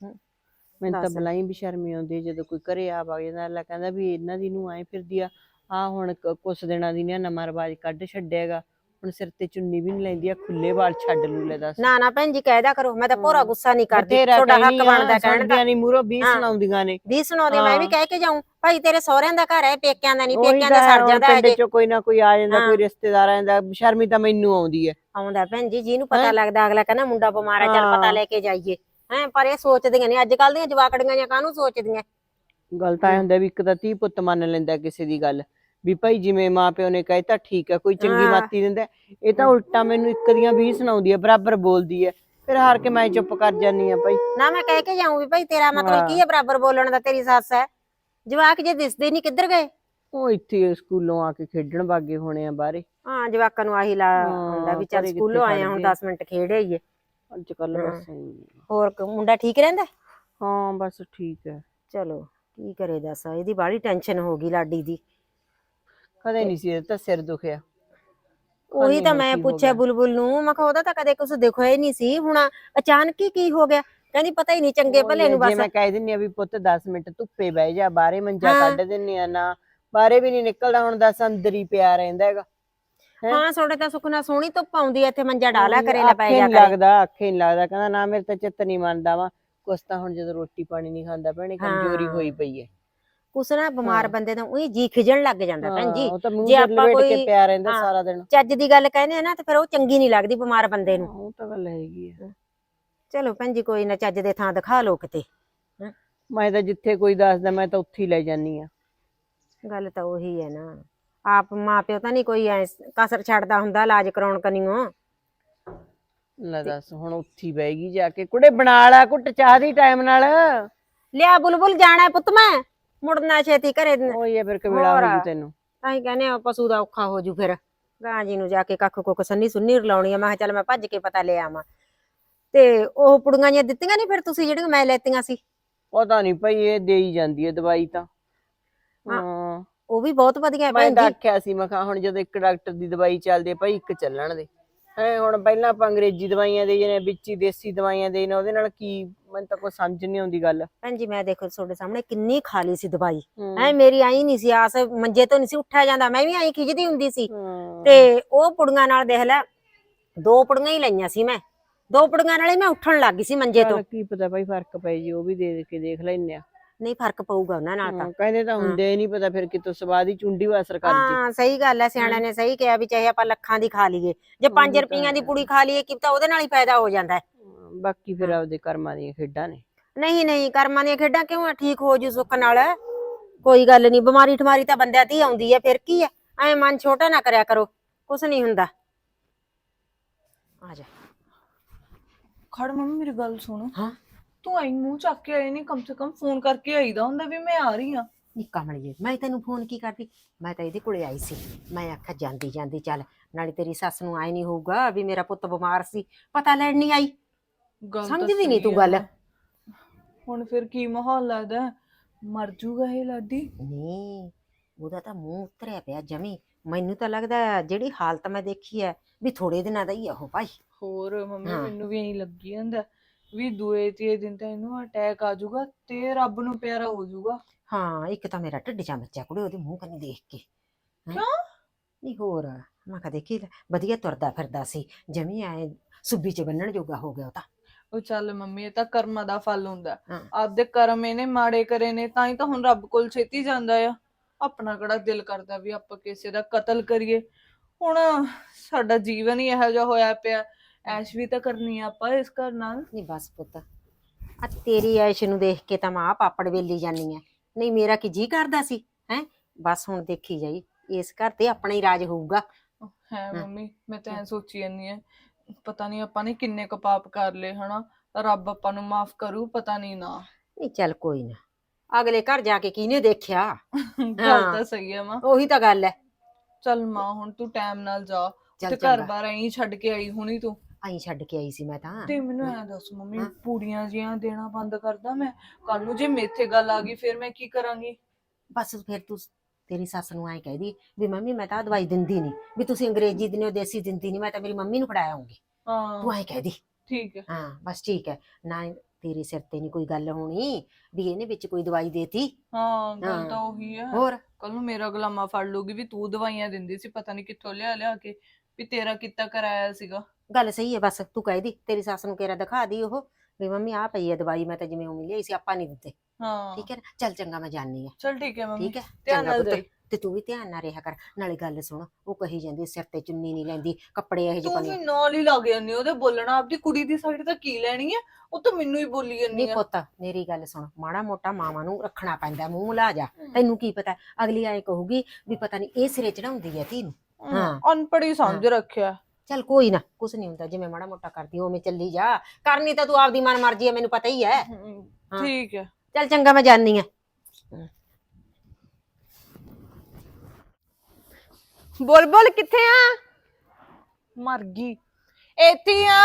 [SPEAKER 2] ਮੈਨੂੰ ਤਾਂ ਬਲਾਈ ਵੀ ਸ਼ਰਮੀ ਆਉਂਦੀ ਜਦੋਂ ਕੋਈ ਘਰੇ ਆ ਵਗ ਜਾਂਦਾ। ਅਗਲਾ ਕਹਿੰਦਾ ਵੀ ਇਹਨਾਂ ਦੀ ਨੂੰ ਆਏ ਫਿਰਦੀ ਆ। ਹੁਣ ਕੁਛ ਦਿਨਾਂ ਦੀ ਨੇ ਨਵਾਂ ਰਿਵਾਜ ਕੱਢ ਛੱਡਿਆਗਾ, ਹੁਣ ਸਿਰ ਤੇ ਚੁੰਨੀ ਵੀ ਨਹੀਂ ਲੈਂਦੀ ਆ, ਖੁੱਲੇ ਵਾਲ ਛੱਡ ਲੂ। ਲੈ ਦੱਸ।
[SPEAKER 3] ਨਾ ਨਾ ਭੈਣ ਜੀ ਕਹਿਦਾ ਕਰੋ, ਮੈਂ ਤਾਂ ਭੋਰਾ ਗੁੱਸਾ ਨਹੀਂ ਕਰਦੀ, ਤੁਹਾਡਾ ਹੱਕ ਬਣਦਾ ਕਹਿਣ ਦਾ।
[SPEAKER 2] ਨਹੀਂ ਮੂਹਰੋਂ 20 ਸੁਣਾਉਂਦੀਆਂ ਨੇ।
[SPEAKER 3] 20 ਸੁਣਾਉਂਦੇ, ਮੈਂ ਵੀ ਕਹਿ ਕੇ ਜਾਊਂ ਭਾਈ ਤੇਰੇ ਸਹੁਰਿਆਂ ਦਾ ਘਰ ਹੈ, ਪੇਕਿਆਂ ਦਾ ਨਹੀਂ, ਪੇਕਿਆਂ ਦਾ ਸਰ ਜਾਂਦਾ ਹੈ।
[SPEAKER 2] ਪਿੰਡ ਚੋਂ ਕੋਈ ਨਾ ਕੋਈ ਆ ਜਾਂਦਾ, ਕੋਈ ਰਿਸ਼ਤੇਦਾਰ ਆ ਜਾਂਦਾ, ਸ਼ਰਮੀ ਤਾਂ ਮੈਨੂੰ ਆਉਂਦੀ ਹੈ।
[SPEAKER 3] ਆਉਂਦਾ ਭੈਣ ਜੀ, ਜਿਹਨੂੰ ਪਤਾ ਲੱਗਦਾ ਅਗਲਾ ਕਹਿੰਦਾ ਮੁੰਡਾ ਬਿਮਾਰ ਹੈ, ਚੱਲ ਪਤਾ ਲੈ ਕੇ ਜਾਈਏ। ਪਰ ਇਹ ਸੋਚਦੀਆਂ ਨੇ ਅੱਜ ਕੱਲ ਦੀਆਂ ਜਵਾਕੜੀਆਂ ਜਾਂ ਕਾਹਨੂੰ ਸੋਚਦੀਆਂ।
[SPEAKER 2] ਗੱਲ ਤਾਂ ਇਹ ਹੁੰਦਾ ਵੀ ਇੱਕ ਤਾਂ ਧੀ ਪੁੱਤ ਮੰਨ ਲੈਂਦਾ ਕਿਸੇ ਦੀ ਗੱਲ, ਵੀ ਭਾਈ ਜਿਵੇਂ ਮਾਂ ਪਿਓ ਨੇ ਕਹਿਤਾ ਠੀਕ ਹੈ, ਕੋਈ ਚੰਗੀ ਮਾਤੀ ਦਿੰਦਾ। ਇਹ ਤਾਂ ਉਲਟਾ ਮੈਨੂੰ ਇੱਕ ਦੀਆਂ 20 ਸੁਣਾਉਂਦੀ ਹੈ, ਬਰਾਬਰ ਬੋਲਦੀ ਹੈ। ਫਿਰ ਹਾਰ ਕੇ ਮੈਂ ਚੁੱਪ ਕਰ ਜਾਨੀ ਆ ਭਾਈ।
[SPEAKER 3] ਨਾ ਮੈਂ ਕਹਿ ਕੇ ਜਾਊਂ ਵੀ ਭਾਈ ਤੇਰਾ ਮਤਲਬ ਕੀ ਹੈ ਬਰਾਬਰ ਬੋਲਣ ਦਾ, ਤੇਰੀ ਸੱਸ ਹੈ। ਜਵਾਕ ਜੇ ਦਿਸਦੇ ਨਹੀਂ ਕਿੱਧਰ ਗਏ?
[SPEAKER 2] ਉਹ ਇੱਥੇ ਸਕੂਲੋਂ ਆ ਕੇ ਖੇਡਣ ਵਾਗੇ ਹੋਣੇ ਆ ਬਾਹਰੇ।
[SPEAKER 3] ਹਾਂ ਜਵਾਕਾਂ ਨੂੰ ਆਹੀ ਲਾ ਹੁੰਦਾ ਵੀ ਚੱਲ
[SPEAKER 2] ਘਰੇ ਕਿੱਥੇ
[SPEAKER 3] ਸਕੂਲੋਂ ਆਏ ਆ, ਹੁਣ
[SPEAKER 2] ਖੜਦੇ ਆ।
[SPEAKER 3] 10 ਮਿੰਟ ਖੇਡ ਆਈਏ।
[SPEAKER 2] ਅੱਜ ਕੱਲ ਬਸ ਐਂ।
[SPEAKER 3] ਹੋਰ ਮੁੰਡਾ ਠੀਕ ਰਹਿੰਦਾ?
[SPEAKER 2] ਹਾਂ ਬਸ ਠੀਕ ਹੈ।
[SPEAKER 3] ਚਲੋ ਕੀ ਕਰੇ ਦੱਸ, ਇਹਦੀ ਬਾਹਲੀ ਟੈਨਸ਼ਨ ਹੋ ਗਈ ਲਾਡੀ ਦੀ।
[SPEAKER 2] ਕਦੇ ਨਹੀਂ ਸੀ ਇਹਦਾ ਸਿਰ ਦੁਖਿਆ।
[SPEAKER 3] ਉਹੀ ਤਾਂ ਮੈਂ ਪੁੱਛਿਆ ਬੁਲਬੁਲ ਨੂੰ, ਮੈਂ ਕਿਹਾ ਉਹਦਾ ਤਾਂ ਕਦੇ ਕੁਝ ਦਿਖਿਆ ਹੀ ਨਹੀਂ ਸੀ, ਹੁਣ ਅਚਾਨਕ ਹੀ ਕੀ ਹੋ ਗਿਆ? ਕਹਿੰਦੀ ਪਤਾ ਹੀ ਨਹੀਂ, ਚੰਗੇ ਭਲੇ ਨੂੰ
[SPEAKER 2] ਜੇ
[SPEAKER 3] ਬਸ।
[SPEAKER 2] ਮੈਂ ਕਹਿ ਦਿੰਨੀ ਆ ਵੀ ਪੁੱਤ 10 ਮਿੰਟ ਧੁੱਪੇ ਬਹਿ ਜਾ, ਬਾਹਰੇ ਮੰਜਾ ਕੱਢ ਦਿੰਨੀ ਆ, ਨਾ ਬਾਹਰੇ ਵੀ ਨਹੀਂ ਨਿਕਲਦਾ, ਹੁਣ ਦੱਸ ਅੰਦਰ ਹੀ ਪਿਆ ਰਹਿੰਦਾ ਹੈਗਾ।
[SPEAKER 3] ਹਾਂ ਤੁਹਾਡੇ ਤਾਂ ਸੁਖਨਾ ਸੋਹਣੀ ਧੁੱਪ ਆਉਂਦੀ ਐ, ਇੱਥੇ ਮੰਜਾ ਡਾਲਾ ਕਰੇ ਲੈ ਪੈ ਜਾ
[SPEAKER 2] ਨੀ
[SPEAKER 3] ਕਰੇ।
[SPEAKER 2] ਲੱਗਦਾ, ਅੱਖੇ ਨੀ ਲੱਗਦਾ। ਕਹਿੰਦਾ ਨਾ ਮੇਰੇ ਤਾਂ ਚਿੱਤ ਨਹੀਂ ਮੰਨਦਾ ਵਾ ਕੁਛ ਤਾਂ। ਹੁਣ ਜਦੋਂ ਰੋਟੀ ਪਾਣੀ ਨਹੀਂ ਖਾਂਦਾ ਭੈਣੇ, ਕਮਜ਼ੋਰੀ ਹੋਈ ਪਈ ਹੈ।
[SPEAKER 3] ਕੁਛ ਨਾ ਬਿਮਾਰ ਬੰਦੇ ਦਾ ਉਹੀ ਜੀ ਖਿਜਣ ਲੱਗ ਜਾਂਦਾ ਭੈਣ ਜੀ।
[SPEAKER 2] ਉਹ ਤਾਂ ਮੂੰਹ
[SPEAKER 3] ਜੇ
[SPEAKER 2] ਤੇ
[SPEAKER 3] ਆਪਾਂ
[SPEAKER 2] ਲਪੇਟ ਕੇ
[SPEAKER 3] ਕੋਈ
[SPEAKER 2] ਪਿਆ ਰਹਿੰਦਾ ਸਾਰਾ ਦਿਨ।
[SPEAKER 3] ਚੱਜ ਦੀ ਗੱਲ ਕਹਿੰਦੇ ਆ ਨਾ ਤੇ ਫਿਰ ਉਹ ਚੰਗੀ ਨਹੀਂ ਲੱਗਦੀ ਬਿਮਾਰ ਬੰਦੇ ਨੂੰ।
[SPEAKER 2] ਉਹ ਤਾਂ ਗੱਲ ਹੈਗੀ ਆ।
[SPEAKER 3] ਚਲੋ ਭੈਣ ਜੀ ਕੋਈ ਨਾ, ਚੱਜ ਦੇ ਥਾਂ ਦਿਖਾ ਲਓ ਕਿਤੇ।
[SPEAKER 2] ਮੈਂ ਤਾਂ ਜਿੱਥੇ ਕੋਈ ਦੱਸਦਾ ਮੈਂ ਤਾਂ ਉੱਥੇ ਹੀ ਲੈ ਜਾਨੀ ਆ।
[SPEAKER 3] ਗੱਲ ਤਾਂ ਉਹੀ ਹੈ ਨਾ, ਆਪ ਮਾਂ ਪਿਓ ਤਾਂ ਨਹੀਂ ਕੋਈ ਐ ਕਸਰ ਛੱਡਦਾ ਹੁੰਦਾ ਇਲਾਜ ਕਰਾਉਣ ਕਨੀਓ।
[SPEAKER 2] ਲੈ ਦੱਸ, ਹੁਣ ਉੱਥੇ ਹੀ ਬਹਿ ਜਾ ਕੇ। ਕੁੜੇ ਬਣਾ ਲਾ ਘੁੱਟ ਚਾਹ ਦੀ ਟਾਈਮ ਨਾਲ।
[SPEAKER 3] ਲਿਆ ਬੁਲਬੁਲ, ਜਾਣਾ ਪੁੱਤ ਮੈਂ, ਮੁੜਨਾ ਛੇਤੀ ਘਰੇ।
[SPEAKER 2] ਉਹੀ ਆ ਫਿਰ ਕਵੇਲਾ ਹੋ ਜੂ ਤੈਨੂੰ।
[SPEAKER 3] ਤਾਂ ਹੀ ਕਹਿੰਦੇ ਆ ਪਸ਼ੂ ਦਾ ਔਖਾ ਹੋ ਜੂ ਫਿਰ। ਗਾਂ ਜੀ ਨੂੰ ਜਾ ਕੇ ਕੱਖ ਕੁੱਖ ਸੰਨੀ ਸੁੰਨੀ ਰਲਾਉਣੀ ਆ। ਮੈਂ ਕਿਹਾ ਚੱਲ ਮੈਂ ਭੱਜ ਕੇ ਪਤਾ ਲੈ ਆਵਾਂ। ਤੇ ਉਹ ਪੁੜੀਆਂ ਜਿਹੀਆਂ ਦਿੱਤੀਆਂ ਨਹੀਂ ਫਿਰ ਤੁਸੀਂ, ਜਿਹੜੀਆਂ ਮੈਂ ਲੈਤੀਆਂ ਸੀ?
[SPEAKER 2] ਪਤਾ ਨਹੀਂ ਭਈ, ਇਹ ਦੇ ਹੀ ਜਾਂਦੀ ਹੈ ਦਵਾਈ ਤਾਂ। ਹਾਂ
[SPEAKER 3] ਉਹ ਵੀ ਬਹੁਤ ਵਧੀਆ
[SPEAKER 2] ਮੈਂ
[SPEAKER 3] ਭੈਣ
[SPEAKER 2] ਤਾਂ
[SPEAKER 3] ਜੀ।
[SPEAKER 2] ਆਖਿਆ ਸੀ, ਮੈਂ ਕਿਹਾ ਹੁਣ ਜਦੋਂ ਇੱਕ ਡਾਕਟਰ ਦੀ ਦਵਾਈ ਚੱਲਦੀ ਹੈ ਭਾਈ, ਇੱਕ ਚੱਲਣ ਦੇ। ਹੈ ਹੁਣ ਪਹਿਲਾਂ ਆਪਾਂ ਅੰਗਰੇਜ਼ੀ ਦਵਾਈਆਂ ਦੇ ਜਨੇ, ਵਿੱਚ ਹੀ ਦੇਸੀ ਦਵਾਈਆਂ ਦੇ ਨੇ, ਉਹਦੇ ਨਾਲ ਕੀ? ਮੈਨੂੰ ਤਾਂ ਕੋਈ ਸਮਝ ਨਹੀਂ ਆਉਂਦੀ ਗੱਲ।
[SPEAKER 3] ਭੈਣ ਜੀ ਮੈਂ ਦੇਖੋ ਤੁਹਾਡੇ ਸਾਹਮਣੇ ਕਿੰਨੀ ਖਾ ਲਈ ਸੀ ਦਵਾਈ। ਮੇਰੀ ਆਈ ਨਹੀਂ ਸੀ ਆਸ, ਮੰਜੇ ਤੋਂ ਨਹੀਂ ਸੀ ਉੱਠਿਆ ਜਾਂਦਾ, ਮੈਂ ਵੀ ਆਈ ਖਿਜਦੀ ਹੁੰਦੀ ਸੀ। ਤੇ ਉਹ ਪੁੜੀਆਂ ਨਾਲ ਦੇਖ ਲੈ, 2 ਪੁੜੀਆਂ ਹੀ ਲਈਆਂ ਸੀ ਮੈਂ, 2 ਪੁੜੀਆਂ ਨਾਲ ਹੀ ਮੈਂ ਉੱਠਣ ਲੱਗ ਗਈ ਸੀ ਮੰਜੇ ਤੋਂ।
[SPEAKER 2] ਕੀ ਪਤਾ ਭਾਈ ਫਰਕ ਪੈ ਜੀ, ਉਹ ਵੀ ਦੇ ਕੇ ਦੇਖ ਲੈਨੇ ਆ।
[SPEAKER 3] ਨਹੀਂ ਫਰਕ ਪਊਗਾ ਉਹਨਾਂ ਨਾਲ ਤਾਂ।
[SPEAKER 2] ਕਹਿੰਦੇ ਤਾਂ ਹੁੰਦੇ ਨਹੀਂ ਪਤਾ ਫਿਰ ਕਿਤੋਂ ਸਵਾਦ ਹੀ ਚੁੰਡੀ ਵਾ ਅਸਰ ਕਰ ਜੇ।
[SPEAKER 3] ਹਾਂ ਸਹੀ ਗੱਲ ਹੈ, ਸਿਆਣਿਆਂ ਨੇ ਸਹੀ ਕਿਹਾ ਵੀ ਚਾਹੇ ਆਪਾਂ ਲੱਖਾਂ ਦੀ ਖਾ ਲਈਏ, ਜੇ 5 ਰੁਪਈਆਂ ਦੀ ਪੁੜੀ ਖਾ ਲਈਏ, ਕੀ ਪਤਾ ਉਹਦੇ ਨਾਲ ਹੀ ਫਾਇਦਾ ਹੋ ਜਾਂਦਾ ਹੈ।
[SPEAKER 2] ਬਾਕੀ ਫਿਰ ਆਪਦੇ ਕਰਮਾਂ ਦੀਆਂ ਖੇਡਾਂ ਨੇ।
[SPEAKER 3] ਨਹੀਂ ਨਹੀਂ, ਕਰਮਾਂ ਦੀਆਂ ਖੇਡਾਂ ਕਿਉਂ ਆ? ਠੀਕ ਹੋ ਜੂ ਸੁੱਖ ਨਾਲ, ਕੋਈ ਗੱਲ ਨਹੀਂ। ਬਿਮਾਰੀ ਠਮਾਰੀ ਤਾਂ ਬੰਦਿਆਂ ਤੇ ਹੀ ਆਉਂਦੀ ਹੈ, ਫਿਰ ਕੀ ਹੈ? ਐ ਮਨ ਛੋਟਾ ਨਾ ਕਰਿਆ ਕਰੋ, ਕੁਛ ਨਹੀਂ ਹੁੰਦਾ। ਆ ਜਾ
[SPEAKER 4] ਖੜ ਮੰਮੀ, ਮੇਰੀ ਗੱਲ ਸੁਣ।
[SPEAKER 3] ਹਾਂ
[SPEAKER 4] ਤੂੰ ਆਈ ਮੂੰਹ ਚੱਕ ਕੇ ਆਈ ਨਹੀਂ, ਕਮ ਸੇ ਕਮ ਫੋਨ ਕਰਕੇ ਆਈਦਾ ਹੁੰਦਾ ਵੀ ਮੈਂ ਆ ਰਹੀ ਆ।
[SPEAKER 3] ਨਿੱਕਾ ਮੜੀਏ, ਮੈਂ ਤੈਨੂੰ ਫੋਨ ਕੀ ਕਰਦੀ? ਮੈਂ ਤਾਂ ਇਹਦੇ ਕੋਲੇ ਆਈ ਸੀ। ਮੈਂ ਆਖਿਆ ਜਾਂਦੀ ਜਾਂਦੀ ਚੱਲ, ਨਾਲੇ ਤੇਰੀ ਸੱਸ ਨੂੰ ਆਏ ਨਹੀਂ ਹੋਊਗਾ ਵੀ ਮੇਰਾ ਪੁੱਤ ਬਿਮਾਰ ਸੀ, ਪਤਾ ਲੈਣ ਨਹੀਂ ਆਈ। ਸਮਝਦੀ ਨਹੀਂ ਤੂੰ ਗੱਲ।
[SPEAKER 4] ਹੁਣ ਫਿਰ ਕੀ ਮਾਹੌਲ ਲੱਗਦਾ? ਮਰ ਜੂਗਾ ਇਹ ਲਾਡੀ?
[SPEAKER 3] ਨਹੀਂ, ਉਹਦਾ ਤਾਂ ਮੂੰਹ ਉਤਰਿਆ ਪਿਆ ਜਮੀ। ਮੈਨੂੰ ਤਾਂ ਲੱਗਦਾ ਜਿਹੜੀ ਹਾਲਤ ਮੈਂ ਦੇਖੀ ਹੈ ਵੀ ਥੋੜੇ ਦਿਨਾਂ ਦਾ ਹੀ ਆ ਉਹ ਭਾਈ।
[SPEAKER 4] ਹੋਰ ਮੰਮੀ, ਮੈਨੂੰ ਵੀ ਐਂ ਲੱਗੀ ਜਾਂਦਾ ਵੀ ਦੂਏ ਤੀਏ ਦਿਨ ਤਾਂ ਇਹਨੂੰ ਅਟੈਕ ਆ ਜਾਊਗਾ ਤੇ ਰੱਬ ਨੂੰ ਪਿਆਰਾ ਹੋ ਜਾਊਗਾ।
[SPEAKER 3] ਹਾਂ ਇੱਕ ਤਾਂ ਮੇਰਾ ਢਿੱਡ ਜਾ ਮੱਚਿਆ ਕੁੜੇ ਉਹਦੇ ਮੂੰਹ ਕੰਨੀ ਦੇਖ ਕੇ।
[SPEAKER 4] ਕਿਉਂ?
[SPEAKER 3] ਨਹੀਂ ਹੋਰ, ਮੈਂ ਕਹਾ ਦੇਖੀ ਵਧੀਆ ਤੁਰਦਾ ਫਿਰਦਾ ਸੀ, ਜਮੀ ਐ ਸੁੱਬੀ ਚ ਬੰਨਣ ਜੋਗਾ ਹੋ ਗਿਆ ਉਹ ਤਾਂ।
[SPEAKER 4] ਉਹ ਚੱਲ ਮੰਮੀ, ਇਹ ਤਾਂ ਕਰਮਾਂ ਦਾ ਫਲ ਹੁੰਦਾ।
[SPEAKER 3] ਹਾਂ।
[SPEAKER 4] ਆਪਦੇ ਕਰਮ ਇਹਨੇ ਮਾੜੇ ਕਰੇ ਨੇ, ਤਾਂ ਹੀ ਤਾਂ ਹੁਣ ਰੱਬ ਕੋਲ ਛੇਤੀ ਜਾਂਦਾ ਆ। ਆਪਣਾ ਕਿਹੜਾ ਦਿਲ ਕਰਦਾ ਵੀ ਆਪਾਂ ਕਿਸੇ ਦਾ ਕਤਲ ਕਰੀਏ? ਹੁਣ ਸਾਡਾ ਜੀਵਨ ਹੀ ਇਹੋ ਜਿਹਾ ਹੋਇਆ ਪਿਆ, ਐਸ਼ ਵੀ ਤਾਂ ਕਰਨੀ ਆ ਆਪਾਂ ਇਸ ਘਰ ਨਾਲ।
[SPEAKER 3] ਨਹੀਂ ਬਸ ਪੁੱਤ, ਆ ਤੇਰੀ ਐਸ਼ ਨੂੰ ਦੇਖ ਕੇ ਤਾਂ ਮੈਂ ਪਾਪੜ ਵੇਲੀ ਜਾਨੀ ਐ। ਨਹੀਂ ਮੇਰਾ ਕੀ ਜੀ ਕਰਦਾ ਸੀ ਹੈ? ਬਸ ਹੁਣ ਦੇਖੀ ਜਾਈ, ਇਸ ਘਰ ਤੇ ਆਪਣਾ ਹੀ ਰਾਜ ਹੋਊਗਾ।
[SPEAKER 4] ਹੈ ਮੰਮੀ, ਮੈਂ ਤਾਂ ਐ ਸੋਚੀ ਜਾਂਦੀ ਆ, ਪਤਾ ਨਹੀਂ ਆਪਾਂ ਨੇ ਕਿੰਨੇ ਕੁ ਪਾਪ ਕਰ ਲਏ ਹਨਾ, ਰੱਬ ਆਪਾਂ ਨੂੰ ਮਾਫ ਕਰੂ, ਪਤਾ ਨਹੀਂ ਨਾ।
[SPEAKER 3] ਨਹੀਂ ਚੱਲ ਕੋਈ ਨਾ, ਅਗਲੇ ਘਰ ਜਾ ਕੇ ਕਿਹਨੇ ਦੇਖਿਆ।
[SPEAKER 4] ਗੱਲ ਤਾਂ ਸਹੀ ਹੈ ਮਾਂ।
[SPEAKER 3] ਉਹੀ ਤਾਂ ਗੱਲ ਹੈ।
[SPEAKER 4] ਚੱਲ ਮਾਂ, ਹੁਣ ਤੂੰ ਟਾਈਮ ਨਾਲ ਜਾ
[SPEAKER 3] ਚੱਲ
[SPEAKER 4] ਤੇ ਘਰ ਬਾਰ ਐਂ ਛੱਡ ਕੇ ਆਈ ਹੁਣੀ ਤੂੰ।
[SPEAKER 3] ਆਈ ਛੱਡ ਕੇ ਆਈ ਸੀ ਮੈਂ ਤਾਂ।
[SPEAKER 4] ਤੇ ਮੈਨੂੰ ਐ ਦੱਸ ਮੰਮੀ, ਪੂੜੀਆਂ ਜੀਆਂ ਦੇਣਾ ਬੰਦ ਕਰਦਾ ਮੈਂ? ਕੱਲ ਨੂੰ ਜੇ ਮੇਥੇ ਗੱਲ ਆ ਗਈ ਫਿਰ ਮੈਂ ਕੀ ਕਰਾਂਗੀ?
[SPEAKER 3] ਬਸ ਫਿਰ ਤੂੰ ਤੇਰੀ ਸੱਸ ਨੂੰ ਐਂ ਕਹਿਦੀ ਵੀ ਮੰਮੀ ਮੈਂ ਤਾਂ ਦਵਾਈ ਦਿੰਦੀ ਨਹੀਂ, ਵੀ ਤੁਸੀਂ ਅੰਗਰੇਜ਼ੀ ਦਿੰਦੇ ਹੋ ਦੇਸੀ ਦਿੰਦੀ ਨਹੀਂ, ਮੈਂ ਤਾਂ ਮੇਰੀ ਮੰਮੀ ਨੂੰ ਫੜਾਇਆ ਆਉਂਗੀ।
[SPEAKER 4] ਹਾਂ
[SPEAKER 3] ਤੂੰ ਐਂ ਕਹਿਦੀ।
[SPEAKER 4] ਠੀਕ ਹੈ।
[SPEAKER 3] ਹਾਂ ਬਸ ਠੀਕ ਹੈ ਨਾ, ਤੇਰੇ ਸਿਰ ਤੇ ਨਹੀਂ ਕੋਈ ਗੱਲ ਹੋਣੀ ਵੀ ਇਹਨੇ ਵਿੱਚ ਕੋਈ ਦਵਾਈ ਦੇਤੀ।
[SPEAKER 4] ਹਾਂ ਗੱਲ ਤਾਂ ਉਹੀ ਹੈ।
[SPEAKER 3] ਹੋਰ
[SPEAKER 4] ਕੱਲ ਨੂੰ ਮੇਰਾ ਗੁਲਾਮਾ ਫੜ ਲੂਗੀ ਵੀ ਤੂੰ ਦਵਾਈਆਂ ਦਿੰਦੀ ਸੀ, ਪਤਾ ਨਹੀਂ ਕਿੱਥੋਂ ਲਿਆ ਲਿਆ ਕੇ, ਵੀ ਤੇਰਾ ਕੀਤਾ ਕਰਾਇਆ ਸੀਗਾ।
[SPEAKER 3] ਗੱਲ ਸਹੀ ਹੈ, ਬਸ ਤੂੰ ਕਹਿਦੀ ਤੇਰੀ ਸੱਸ ਨੂੰ ਕਿਹੜਾ ਦਿਖਾ ਦੀ ਉਹ ਵੀ ਮੰਮੀ ਆ ਪਈ ਹੈ ਦਵਾਈ, ਮੈਂ ਤਾਂ ਜਿਵੇਂ ਉਵੇਂ ਲਈ ਸੀ, ਆਪਾਂ ਨਹੀਂ ਦਿੱਤੇ।
[SPEAKER 4] ਹਾਂ
[SPEAKER 3] ਠੀਕ ਹੈ ਨਾ, ਚੱਲ ਚੰਗਾ ਮੈਂ ਜਾਣੀ ਆ।
[SPEAKER 4] ਚਲ ਠੀਕ ਹੈ ਮੰਮੀ,
[SPEAKER 3] ਠੀਕ ਹੈ
[SPEAKER 4] ਧਿਆਨ
[SPEAKER 3] ਚੰਗਾ
[SPEAKER 4] ਨਾਲ
[SPEAKER 3] ਪੁੱਤ,
[SPEAKER 4] ਜਾਈ।
[SPEAKER 3] ਤੇ ਤੂੰ ਵੀ ਧਿਆਨ ਨਾਲ ਰਿਹਾ ਕਰ। ਨਾਲੇ ਗੱਲ ਸੁਣ, ਉਹ ਕਹੀ ਜਾਂਦੀ ਸਿਰ ਤੇ ਚੁੰਨੀ ਨਹੀਂ ਲੈਂਦੀ, ਕੱਪੜੇ ਇਹੋ ਜਿਹੇ
[SPEAKER 4] ਤੂੰ
[SPEAKER 3] ਪਾਉਂਦੀ।
[SPEAKER 4] ਵੀ ਨਾਲ ਹੀ ਲੱਗ ਜਾਂਦੀ ਉਹਦੇ ਬੋਲਣਾ, ਆਪਦੀ ਕੁੜੀ ਦੀ ਸਾਈਡ ਤਾਂ ਕੀ ਲੈਣੀ ਹੈ? ਉਹ ਤਾਂ ਮੈਨੂੰ ਹੀ ਬੋਲੀ ਜਾਂਦੀ
[SPEAKER 3] ਨਹੀਂ
[SPEAKER 4] ਆ।
[SPEAKER 3] ਪੁੱਤ ਮੇਰੀ ਗੱਲ ਸੁਣ, ਮਾੜਾ ਮੋਟਾ ਮਾਵਾਂ ਨੂੰ ਰੱਖਣਾ ਪੈਂਦਾ ਮੂੰਹ ਲਾ ਜਾ। ਤੈਨੂੰ ਕੀ ਪਤਾ ਅਗਲੀ ਐ ਕਹੂਗੀ ਵੀ ਪਤਾ ਨਹੀਂ ਇਹ ਸਿਰੇ ਚੜਾਉਂਦੀ ਹੈ ਧੀ ਨੂੰ। ਹਾਂ
[SPEAKER 4] ਅਨਪੜ੍ਹ ਹੀ ਸਮਝ ਰੱਖਿਆ।
[SPEAKER 3] ਚੱਲ ਕੋਈ ਨਾ, ਕੁਛ ਨਹੀਂ ਹੁੰਦਾ, ਜਿਵੇਂ ਮਾੜਾ ਮੋਟਾ ਕਰਦੀ ਉਵੇਂ ਚੱਲੀ ਜਾ। ਕਰਨੀ ਤਾਂ ਤੂੰ ਆਪਦੀ ਮਨ ਮਰਜ਼ੀ ਹੈ, ਮੈਨੂੰ ਪਤਾ ਹੀ ਹੈ। ਹਾਂ।
[SPEAKER 4] ਠੀਕ ਹੈ।
[SPEAKER 3] ਚੱਲ ਚੰਗਾ, ਮੈਂ ਜਾਣੀ ਆ।
[SPEAKER 1] ਬੁਲਬੁਲ ਕਿੱਥੇ ਆ?
[SPEAKER 4] ਮਰ ਗਈ। ਇੱਥੇ ਆ